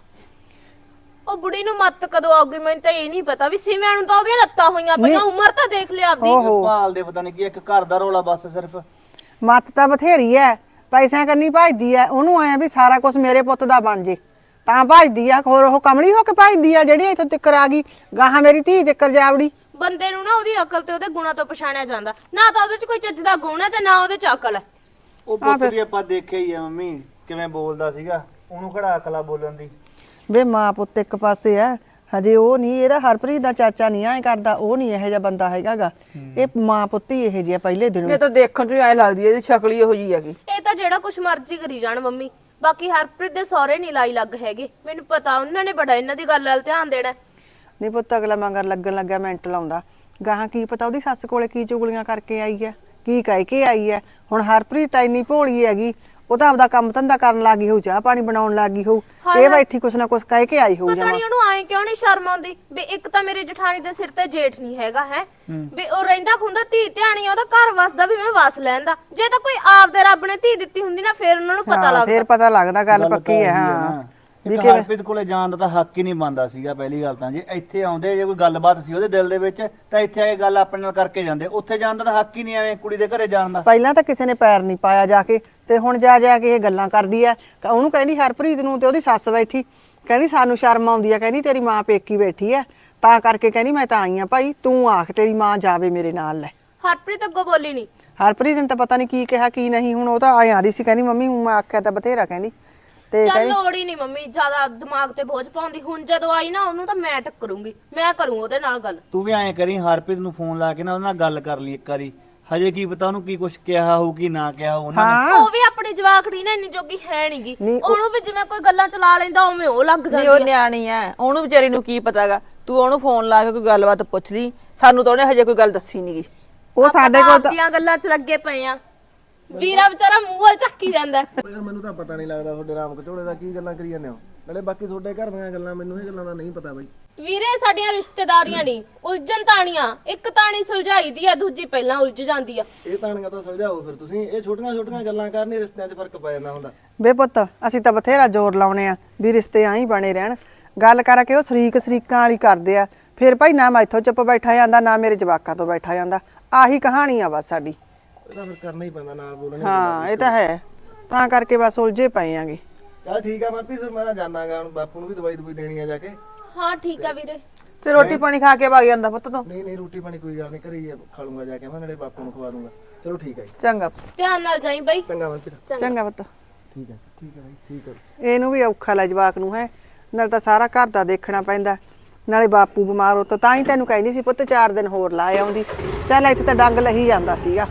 A: ਉਹ ਬੁੜੀ ਨੂੰ ਮੱਤ ਕਦੋਂ ਆਉਗੀ ਮੈਨੂੰ ਤਾਂ ਇਹ ਨਹੀਂ ਪਤਾ। ਵੀ ਸਿਮਿਆਂ ਨੂੰ ਤਾਂ ਉਹਦੀਆਂ ਲੱਤਾਂ ਹੋਈਆਂ ਪਈਆਂ, ਉਮਰ ਤਾਂ ਦੇਖ ਲਿਆ ਆਪਦੀ।
F: ਓਹੋ,
H: ਭਾਲ ਦੇ ਪਤਾ ਨਹੀਂ ਕੀ, ਇੱਕ ਘਰ ਦਾ ਰੌਲਾ ਬਸ ਸਿਰਫ।
F: ਮੱਤ ਤਾਂ ਬਥੇਰੀ ਐ, ਪੈਸਿਆਂ ਕੰਨੀ ਭਜਦੀ ਐ। ਉਹਨੂੰ ਐ ਵੀ ਸਾਰਾ ਕੁਝ ਮੇਰੇ ਪੁੱਤ ਦਾ ਬਣ ਜੇ ਤਾਂ ਭਜਦੀ ਆ। ਹੋਰ ਉਹ ਕਮਲੀ ਹੋ ਕੇ ਭਜਦੀ ਆ ਜਿਹੜੀ ਇੱਥੋਂ ਤਿੱਕਰ ਆ ਗਈ, ਗਾਹਾਂ ਮੇਰੀ ਧੀ ਤਿੱਕਰ ਜਾਵੜੀ।
A: ਬੰਦੇ ਨੂੰ ਨਾ ਉਹਦੀ ਅਕਲ ਤੇ ਉਹਦੇ ਗੁਣਾਂ ਤੋਂ ਪਛਾਣਿਆ ਜਾਂਦਾ, ਨਾ ਤਾਂ ਉਹਦੇ 'ਚ ਕੋਈ ਚੱਜ ਦਾ ਗੁਣ ਹੈ ਤੇ ਨਾ ਉਹਦੇ 'ਚ ਅਕਲ ਹੈ।
H: ਉਹ ਪੁੱਤ ਵੀ ਆਪਾਂ ਦੇਖਿਆ ਹੀ ਆ ਮੰਮੀ ਕਿਵੇਂ ਬੋਲਦਾ ਸੀਗਾ, ਉਹਨੂੰ ਕਿਹੜਾ ਅਕਲਾ ਬੋਲਣ ਦੀ।
F: ਵੇ ਮਾਂ ਪੁੱਤ ਇੱਕ ਪਾਸੇ ਐ, ਹਜੇ ਉਹ ਨਹੀਂ, ਇਹਦਾ ਹਰਪ੍ਰੀਤ ਦਾ ਚਾਚਾ ਨਹੀਂ ਐ ਕਰਦਾ, ਉਹ ਨਹੀਂ ਇਹੋ ਜਿਹਾ ਬੰਦਾ ਹੈਗਾਗਾ। ਇਹ ਮਾਂ ਪੁੱਤ ਹੀ ਇਹੋ ਜਿਹਾ ਪਹਿਲੇ ਦਿਨੋਂ।
G: ਇਹ ਤਾਂ ਦੇਖਣ ਚ ਐ ਲੱਗਦੀ ਐ, ਇਹਦੀ ਸ਼ਕਲ ਹੀ ਇਹੋ ਜੀ ਹੈਗੀ।
A: ਇਹ ਤਾਂ ਜਿਹੜਾ ਕੁਛ ਮਰਜ਼ੀ ਕਰੀ ਜਾਣ ਮੰਮੀ, ਬਾਕੀ ਹਰਪ੍ਰੀਤ ਦੇ ਸਹੁਰੇ ਨਹੀਂ ਲਾਈ ਲੱਗ ਹੈਗੇ। ਮੈਨੂੰ ਪਤਾ ਉਹਨਾਂ ਨੇ ਬੜਾ ਇਹਨਾਂ ਦੀ ਗੱਲ ਵੱਲ ਧਿਆਨ ਦੇਣਾ।
F: ਨਹੀਂ ਪੁੱਤ, ਅਗਲਾ ਮਗਰ ਲੱਗਣ ਲੱਗਿਆ ਮਿੰਟ ਲਾਉਂਦਾ, ਗਾਹਾਂ ਕੀ ਪਤਾ ਉਹਦੀ ਸੱਸ ਕੋਲੇ ਕੀ ਚੁਗਲੀਆਂ ਕਰਕੇ ਆਈ ਐ, ਕੀ ਕਹਿ ਕੇ ਆਈ ਐ। ਹੁਣ ਹਰਪ੍ਰੀਤ ਤਾਂ ਇੰਨੀ ਭੋਲੀ ਹੈਗੀ, ਉਹ ਤਾਂ ਆਪਦਾ ਕੰਮ ਧੰਦਾ ਕਰਨ ਲੱਗੀ ਹੋਊ, ਚਾਹ ਪਾਣੀ ਬਣਾਉਣ ਲੱਗੀ ਹੋਊ, ਇਹ ਬੈਠੀ ਕੁਛ ਨਾ ਕੁਛ ਕਹਿ ਕੇ ਆਈ ਹੋਊ
A: ਪਤਾ
F: ਜਮਾ।
A: ਨਹੀਂ ਉਹਨੂੰ ਆਏ ਕਿਉਂ ਨਹੀਂ ਸ਼ਰਮ ਆਉਂਦੀ ਵੀ ਇੱਕ ਤਾਂ ਮੇਰੇ ਜਠਾਣੀ ਦੇ ਸਿਰ ਤੇ ਜੇਠ ਨਹੀਂ ਹੈਗਾ ਹੈ, ਵੀ ਉਹ ਰਹਿੰਦਾ ਖੁੰਦਾ ਧੀ ਧਿਆਣੀ, ਉਹਦਾ ਘਰ ਵਸਦਾ ਵੀ ਮੈਂ ਵਸ ਲੈਂਦਾ। ਜੇ ਤਾਂ ਕੋਈ ਆਪਦੇ ਰੱਬ ਨੇ ਧੀ ਦਿੱਤੀ ਹੁੰਦੀ ਨਾ, ਫਿਰ ਉਹਨਾਂ ਨੂੰ ਪਤਾ
F: ਹਾਂ,
A: ਲੱਗਦਾ।
F: ਫਿਰ ਪਤਾ ਲੱਗਦਾ, ਗੱਲ ਪੱਕੀ ਹੈ। ਹਾਂ
H: ਵੀ ਹਰਪ੍ਰੀਤ ਕੋਲੇ ਜਾਣ ਦਾ ਤਾਂ ਹੱਕ ਹੀ ਨਹੀਂ ਬਣਦਾ ਸੀਗਾ ਪਹਿਲੀ ਗੱਲ ਤਾਂ। ਜੇ ਇੱਥੇ ਆਉਂਦੇ, ਜੇ ਕੋਈ ਗੱਲਬਾਤ ਸੀ ਉਹਦੇ ਦਿਲ ਦੇ ਵਿੱਚ, ਤਾਂ ਇੱਥੇ ਆ ਕੇ ਗੱਲ ਆਪਣੇ ਨਾਲ ਕਰਕੇ ਜਾਂਦੇ। ਉੱਥੇ ਜਾਣ ਦਾ ਤਾਂ ਹੱਕ ਹੀ ਨਹੀਂ, ਐਵੇਂ ਕੁੜੀ ਦੇ ਘਰੇ ਜਾਣ ਦਾ।
F: ਪਹਿਲਾਂ ਤਾਂ ਕਿਸੇ ਨੇ ਪੈਰ ਨਹੀਂ ਪਾਇਆ ਜਾ ਕੇ, ਤੇ ਹੁਣ ਜਾ ਜਾ ਕੇ ਇਹ ਗੱਲਾਂ ਕਰਦੀ ਐ। ਉਹਨੂੰ ਕਹਿੰਦੀ ਹਰਪ੍ਰੀਤ ਨੂੰ, ਤੇ ਉਹਦੀ ਸੱਸ ਬੈਠੀ ਕਹਿੰਦੀ ਸਾਨੂੰ ਸ਼ਰਮ ਆਉਂਦੀ ਐ, ਕਹਿੰਦੀ ਤੇਰੀ ਮਾਂ ਪੇਕੀ ਬੈਠੀ ਐ, ਤਾਂ ਕਰਕੇ ਕਹਿੰਦੀ ਮੈਂ ਤਾਂ ਆਈ ਆ ਭਾਈ, ਤੂੰ ਆਖ ਤੇਰੀ ਮਾਂ ਜਾਵੇ ਮੇਰੇ ਨਾਲ। ਲੈ
A: ਹਰਪ੍ਰੀਤ ਅੱਗੋਂ ਬੋਲੀ ਨਹੀਂ।
F: ਹਰਪ੍ਰੀਤ ਨੇ ਤਾਂ ਪਤਾ ਨਹੀਂ ਕੀ ਕਿਹਾ ਕੀ ਨਹੀਂ। ਹੁਣ ਉਹ ਤਾਂ ਆਏ ਆਦੀ ਸੀ, ਕਹਿੰਦੀ ਮੰਮੀ ਹੁਣ ਮੈਂ ਆਖਿਆ ਤਾਂ ਬਥੇਰਾ, ਕਹਿੰਦੀ ਤੇ
A: ਚੱਲ
F: ਕਹਿੰਦੀ
A: ਲੋੜ ਹੀ ਨਹੀਂ ਮੰਮੀ ਜ਼ਿਆਦਾ ਦਿਮਾਗ ਤੇ ਬੋਝ ਪਾਉਂਦੀ। ਹੁਣ ਜਦੋਂ ਆਈ ਨਾ, ਉਹਨੂੰ ਤਾਂ ਮੈਂ ਟੱਕਰੂੰਗੀ, ਮੈਂ ਕਰੂੰ ਉਹਦੇ ਨਾਲ ਗੱਲ।
H: ਤੂੰ ਵੀ ਐਂ ਕਰੀ, ਹਰਪ੍ਰੀਤ ਨੂੰ ਫੋਨ ਲਾ ਕੇ ਨਾ ਉਹਦੇ ਨਾਲ ਗੱਲ ਕਰ ਲਈ ਇੱਕ ਵਾਰੀ। ਹਜੇ ਕੀ ਪਤਾ ਉਹਨੂੰ ਕੀ ਕੁਝ ਕਿਹਾ ਹੋਊ ਕੀ ਨਾ ਕਿਹਾ ਹੋਊ ਉਹਨਾਂ ਨੇ।
F: ਹਾਂ
A: ਉਹ ਵੀ ਆਪਣੀ ਜਵਾਕੜੀ ਨਾ ਇੰਨੀ ਜੋਗੀ ਹੈ ਨਹੀਂਗੀ
F: ਨਹੀਂ, ਉਹ-
A: ਉਹਨੂੰ ਵੀ ਜਿਵੇਂ ਕੋਈ ਗੱਲਾਂ ਚਲਾ ਲੈਂਦਾ ਉਵੇਂ ਉਹ ਲੱਗ
G: ਨਹੀਂ
A: ਜਾਂਦੀ
G: ਉਹ
A: ਆ
G: ਨਿਆਣੀ ਐ, ਉਹਨੂੰ ਵਿਚਾਰੀ ਨੂੰ ਕੀ ਪਤਾਗਾ। ਤੂੰ ਉਹਨੂੰ ਫੋਨ ਲਾ ਕੇ ਕੋਈ ਗੱਲਬਾਤ ਪੁੱਛ ਲਈ, ਸਾਨੂੰ ਤਾਂ ਉਹਨੇ ਹਜੇ ਕੋਈ ਗੱਲ ਦੱਸੀ ਨਹੀਂਗੀ।
F: ਉਹ ਸਾਡੇ ਕੋਲ ਤਾਂ
A: ਆਪਦੀਆਂ ਗੱਲਾਂ 'ਚ ਲੱਗੇ ਪਏ ਆ ਵੀਰਾ ਵਿਚਾਰਾ ਮੂੰਹ ਵੱਲ ਚੱਕੀ ਜਾਂਦਾ
D: ਯਾਰ ਮੈਨੂੰ ਤਾਂ ਪਤਾ ਨਹੀਂ ਲੱਗਦਾ ਤੁਹਾਡੇ ਰਾਮ ਕਚੋਲੇ ਦਾ ਕੀ ਗੱਲਾਂ ਕਰੀ ਜਾਂਦੇ ਹੋ। ਨਾਲੇ ਬਾਕੀ ਤੁਹਾਡੇ ਘਰ ਦੀਆਂ ਗੱਲਾਂ ਮੈਨੂੰ ਇਹ ਗੱਲਾਂ ਦਾ ਨਹੀਂ ਪਤਾ ਬਾਈ।
A: ਵੀਰੇ ਸਾਡੀਆਂ ਰਿਸ਼ਤੇਦਾਰੀਆਂ ਨਹੀਂ ਉਲਝਣ ਤਾਣੀਆਂ, ਇੱਕ ਤਾਣੀ ਸੁਲਝਾਈ ਦੀ ਆ ਦੂਜੀ ਪਹਿਲਾਂ ਉਲਝ ਜਾਂਦੀ ਆ।
D: ਇਹ ਤਾਣੀਆਂ ਤਾਂ ਸਮਝਾਓ ਫਿਰ ਤੁਸੀਂ। ਇਹ ਛੋਟੀਆਂ ਛੋਟੀਆਂ ਗੱਲਾਂ ਕਰਨੀ ਰਿਸ਼ਤਿਆਂ 'ਚ ਫਰਕ ਪੈ ਜਾਂਦਾ ਹੁੰਦਾ।
F: ਬੇ ਪੁੱਤ ਅਸੀਂ ਤਾਂ ਬਥੇਰਾ ਜ਼ੋਰ ਲਾਉਣੇ ਆ ਵੀ ਰਿਸ਼ਤੇ ਆਂ ਹੀ ਬਣੇ ਰਹਿਣ। ਗੱਲ ਕਰਕੇ ਉਹ ਸ਼ਰੀਕ ਸ਼ਰੀਕਾਂ ਵਾਲੀ ਕਰਦੇ ਆ, ਫਿਰ ਭਾਈ ਨਾ ਮੈਂ ਇੱਥੋਂ ਚੁੱਪ ਬੈਠਾ ਜਾਂਦਾ ਨਾ ਮੇਰੇ ਜਵਾਕਾਂ ਤੋਂ ਬੈਠਾ ਜਾਂਦਾ। ਆਹੀ ਕਹਾਣੀ ਆ ਬਸ ਸਾਡੀ।
D: ਇਹ ਤਾਂ ਫਿਰ ਕਰਨਾ ਹੀ ਪੈਂਦਾ ਨਾਲ ਬੋਲਣੇ।
F: ਹਾਂ ਇਹ ਤਾਂ ਹੈ, ਤਾਂ ਕਰਕੇ ਬਸ ਉਲਝੇ ਪਏ ਆਂਗੇ।
D: ਚੱਲ ਠੀਕ ਆ ਮਨਪ੍ਰੀਤ ਫਿਰ ਮੈਂ ਜਾਣਾਗਾ ਹੁਣ ਬਾਪੂ ਨੂੰ ਵੀ ਦਵਾਈ ਦਵਾਈ ਦੇਣੀ ਆ ਜਾ ਕੇ।
A: ਹਾਂ ਠੀਕ ਆ ਵੀਰੇ।
G: ਤੇ ਰੋਟੀ ਪਾਣੀ ਖਾ ਕੇ ਵਗ ਜਾਂਦਾ ਪੁੱਤ ਤੂੰ।
D: ਨਹੀਂ ਨਹੀਂ ਰੋਟੀ ਪਾਣੀ ਕੋਈ ਗੱਲ ਨਹੀਂ ਘਰੇ ਹੀ ਖਾ ਲੂੰਗਾ ਜਾ ਕੇ ਮੈਂ ਨਾਲੇ ਬਾਪੂ ਨੂੰ ਖਵਾ ਦੂੰਗਾ। ਚਲੋ ਠੀਕ ਹੈ ਜੀ।
G: ਚੰਗਾ।
A: ਧਿਆਨ ਨਾਲ ਜਾਈ ਬਾਈ।
D: ਚੰਗਾ ਮਨਪ੍ਰੀਤ।
F: ਚੰਗਾ ਪੁੱਤ।
D: ਠੀਕ ਹੈ ਠੀਕ ਹੈ ਬਾਈ ਠੀਕ ਹੈ।
F: ਇਹਨੂੰ ਵੀ ਔਖਾ ਲੈ ਜਵਾਕ ਨੂੰ ਹੈ, ਨਾਲ ਤਾਂ ਸਾਰਾ ਘਰ ਦਾ ਦੇਖਣਾ ਪੈਂਦਾ, ਨਾਲੇ ਬਾਪੂ ਬਿਮਾਰ ਹੋ ਤਾਂ ਹੀ ਤੈਨੂੰ ਕਹਿੰਦੀ ਸੀ ਪੁੱਤ ਚਾਰ ਦਿਨ ਹੋਰ ਲਾ ਆਉਂਦੀ। ਚੱਲ ਇੱਥੇ ਤਾਂ ਡੰਗ ਲਹੀ ਜਾਂਦਾ ਸੀਗਾ।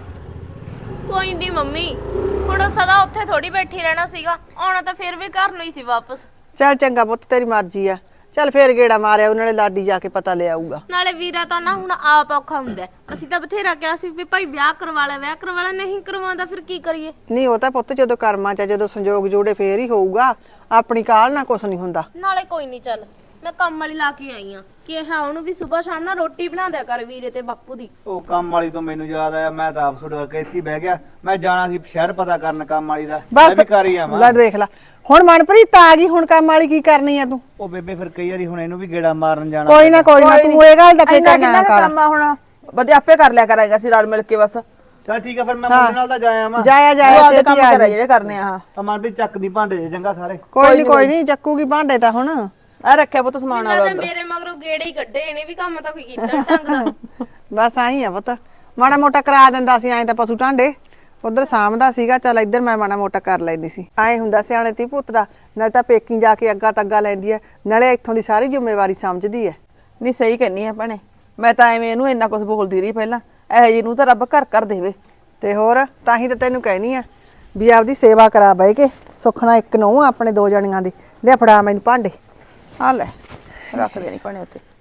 A: ਕੋਈ ਨਹੀਂ ਮੰਮੀ, ਹੁਣ ਉਹ ਸਦਾ ਉੱਥੇ ਥੋੜੀ ਬੈਠੀ ਰਹਿਣਾ ਸੀਗਾ, ਆਉਣਾ ਤਾਂ ਫਿਰ ਵੀ ਘਰ ਨੂੰ ਹੀ ਸੀ ਵਾਪਸ।
F: ਚੱਲ ਚੰਗਾ ਪੁੱਤ ਤੇਰੀ ਮਰਜ਼ੀ ਆ। ਚੱਲ ਫੇਰ ਗੇੜਾ ਮਾਰਿਆ ਨਾਲੇ ਲਾਡੀ ਜਾ ਕੇ ਪਤਾ ਲੈ ਆਊਗਾ।
A: ਨਾਲੇ ਵੀਰਾ ਤਾਂ ਨਾ ਹੁਣ ਆਪ ਔਖਾ ਹੁੰਦਾ ਹੈ। ਅਸੀਂ ਤਾਂ ਬਥੇਰਾ ਕਿਹਾ ਸੀ ਵੀ ਭਾਈ ਵਿਆਹ ਕਰਵਾ ਲੈ ਵਿਆਹ ਕਰਵਾ ਲੈ, ਨਹੀਂ ਕਰਵਾਉਂਦਾ ਫਿਰ ਕੀ ਕਰੀਏ।
F: ਨਹੀਂ ਉਹ ਤਾਂ ਪੁੱਤ ਜਦੋਂ ਕਰਮਾਂ ਚ ਆ, ਜਦੋਂ ਸੰਜੋਗ ਜੋੜੇ ਫੇਰ ਹੀ ਹੋਊਗਾ। ਆਪਣੀ ਕਾਲ ਨਾਲ ਕੁਛ ਨਹੀਂ ਹੁੰਦਾ।
A: ਨਾਲੇ ਕੋਈ ਨਹੀਂ, ਚੱਲ ਮੈਂ ਕੰਮ ਵਾਲੀ ਲਾ ਕੇ ਆਈ ਆ ਕਿ ਹਾਂ ਉਹਨੂੰ ਵੀ ਸਵੇਰ ਸ਼ਾਮ ਨਾਲ ਰੋਟੀ ਬਣਾ ਦਿਆ ਕਰ ਵੀਰੇ ਤੇ ਬਾਪੂ ਦੀ।
H: ਉਹ ਕੰਮ ਵਾਲੀ ਤੋਂ ਮੈਨੂੰ ਯਾਦ ਆਇਆ, ਮੈਂ ਤਾਂ ਆਪ ਛੁੱਟ ਕੇ ਇੱਥੇ ਹੀ ਬਹਿ ਗਿਆ। ਮੈਂ ਜਾਣਾ ਸੀ ਸ਼ਹਿਰ ਪਤਾ ਕਰਨ ਕੰਮ ਵਾਲੀ ਦਾ। ਮੈਂ ਵੀ ਕਰ ਹੀ ਆਵਾਂ।
F: ਲੈ ਦੇਖ ਲੈ ਹੁਣ ਮਨਪ੍ਰੀਤ ਆ ਗਈ, ਹੁਣ ਕੰਮ ਵਾਲੀ ਕੀ ਕਰਨੀ ਆ ਤੂੰ?
H: ਉਹ ਬੇਬੇ ਫਿਰ ਕਈ ਵਾਰੀ ਹੁਣ ਇਹਨੂੰ ਵੀ ਗੇੜਾ ਮਾਰਨ ਜਾਣਾ।
F: ਕੋਈ ਨਾ ਕੋਈ ਨਾ ਤੂੰ ਇਹ ਗੱਲ ਦਾ
G: ਇੰਨਾ
F: ਫਿਕਰ
G: ਕਿੰਨਾ
F: ਨਾ
G: ਕੁ
F: ਕਰ।
G: ਕੰਮ ਆ ਹੁਣ, ਵਧੀਆ ਆਪੇ ਕਰ ਲਿਆ ਕਰਾਂਗੇ ਅਸੀਂ ਰਲ ਮਿਲ ਕੇ ਬਸ।
H: ਚਲ ਠੀਕ ਆ ਫਿਰ ਮੈਂ ਮੁੰਡੇ ਨਾਲ ਤਾਂ ਜਾਇਆ ਵਾਂ।
F: ਜਾਇਆ
G: ਉਹ
F: ਜਾਇਆ
G: ਆਪਦੇ
F: ਛੇਤੀ
G: ਕੰਮ
F: ਆ
G: ਕਰਾ
F: ਜੀ।
G: ਜਿਹੜੇ ਕਰਨੇ ਆ।
H: ਤਾਂ ਮਨਪ੍ਰੀਤ ਚੱਕਦੀ ਭਾਂਡੇ ਜੇ ਚੰਗਾ ਸਾਰੇ।
F: ਕੋਈ ਨਹੀਂ ਕੋਈ ਨਹੀਂ ਚੱਕੂਗੀ ਭਾਂਡੇ ਤਾਂ ਹੁਣ।
G: ਆ ਰੱਖਿਆ ਪੁੱਤ ਸਮਾਨ ਆ
A: ਤੇ ਮੇਰੇ ਮਗਰੋਂ ਗੇੜੇ ਹੀ ਕੱਢੇ, ਇਹਨੇ ਵੀ ਕੰਮ ਤਾਂ ਕੋਈ ਕੀਤਾ ਨੀ ਢੰਗ ਦਾ।
F: ਬਸ ਆਈ ਆ ਪੁੱਤ, ਮਾੜਾ ਮੋਟਾ ਕਰਾ ਦਿੰਦਾ ਸੀ ਐਂ ਤਾਂ ਪਸ਼ੂ ਢਾਂਡੇ ਉਧਰ ਸਾਂਭਦਾ ਸੀਗਾ। ਚੱਲ ਇੱਧਰ ਮੈਂ ਮਾੜਾ ਮੋਟਾ ਕਰ ਲੈਂਦੀ ਸੀ। ਐਂ ਹੁੰਦਾ ਸਿਆਣੇ ਤੀ ਪੁੱਤ ਦਾ, ਨਾਲੇ ਤਾਂ ਪੇਕੀ ਜਾ ਕੇ ਅੱਗਾ ਤੱਗਾ ਲੈਂਦੀ ਐ, ਨਾਲੇ ਇੱਥੋਂ ਦੀ ਸਾਰੀ ਜ਼ਿੰਮੇਵਾਰੀ ਸਮਝਦੀ ਐ।
G: ਨਹੀਂ ਸਹੀ ਕਹਿੰਨੀ ਆ ਭੈਣੇ, ਮੈਂ ਤਾਂ ਐਵੇਂ ਇਹਨੂੰ ਇੰਨਾ ਕੁਝ ਬੋਲਦੀ ਰਹੀ ਪਹਿਲਾਂ। ਇਹੋ ਜਿਹੀ ਨੂੰ ਤਾਂ ਰੱਬ ਘਰ ਕਰ ਦੇਵੇ।
F: ਤੇ ਹੋਰ ਤਾਂ ਹੀ ਤਾਂ ਤੈਨੂੰ ਕਹਿਨੀ ਆ ਵੀ ਆਪਦੀ ਸੇਵਾ ਕਰਾ ਬਹਿ ਕੇ। ਸੁਖਣਾ ਇੱਕ ਨੂੰ ਆਪਣੇ ਦੋ ਜਣੀਆਂ ਦੀ। ਲਿਆ ਫੜਾ ਮੈਨੂੰ ਭਾਂਡੇ।
G: ਆ ਲੈ ਰੱਖ ਦੇਣੀ ਭੈਣੇ ਉੱਤੇ।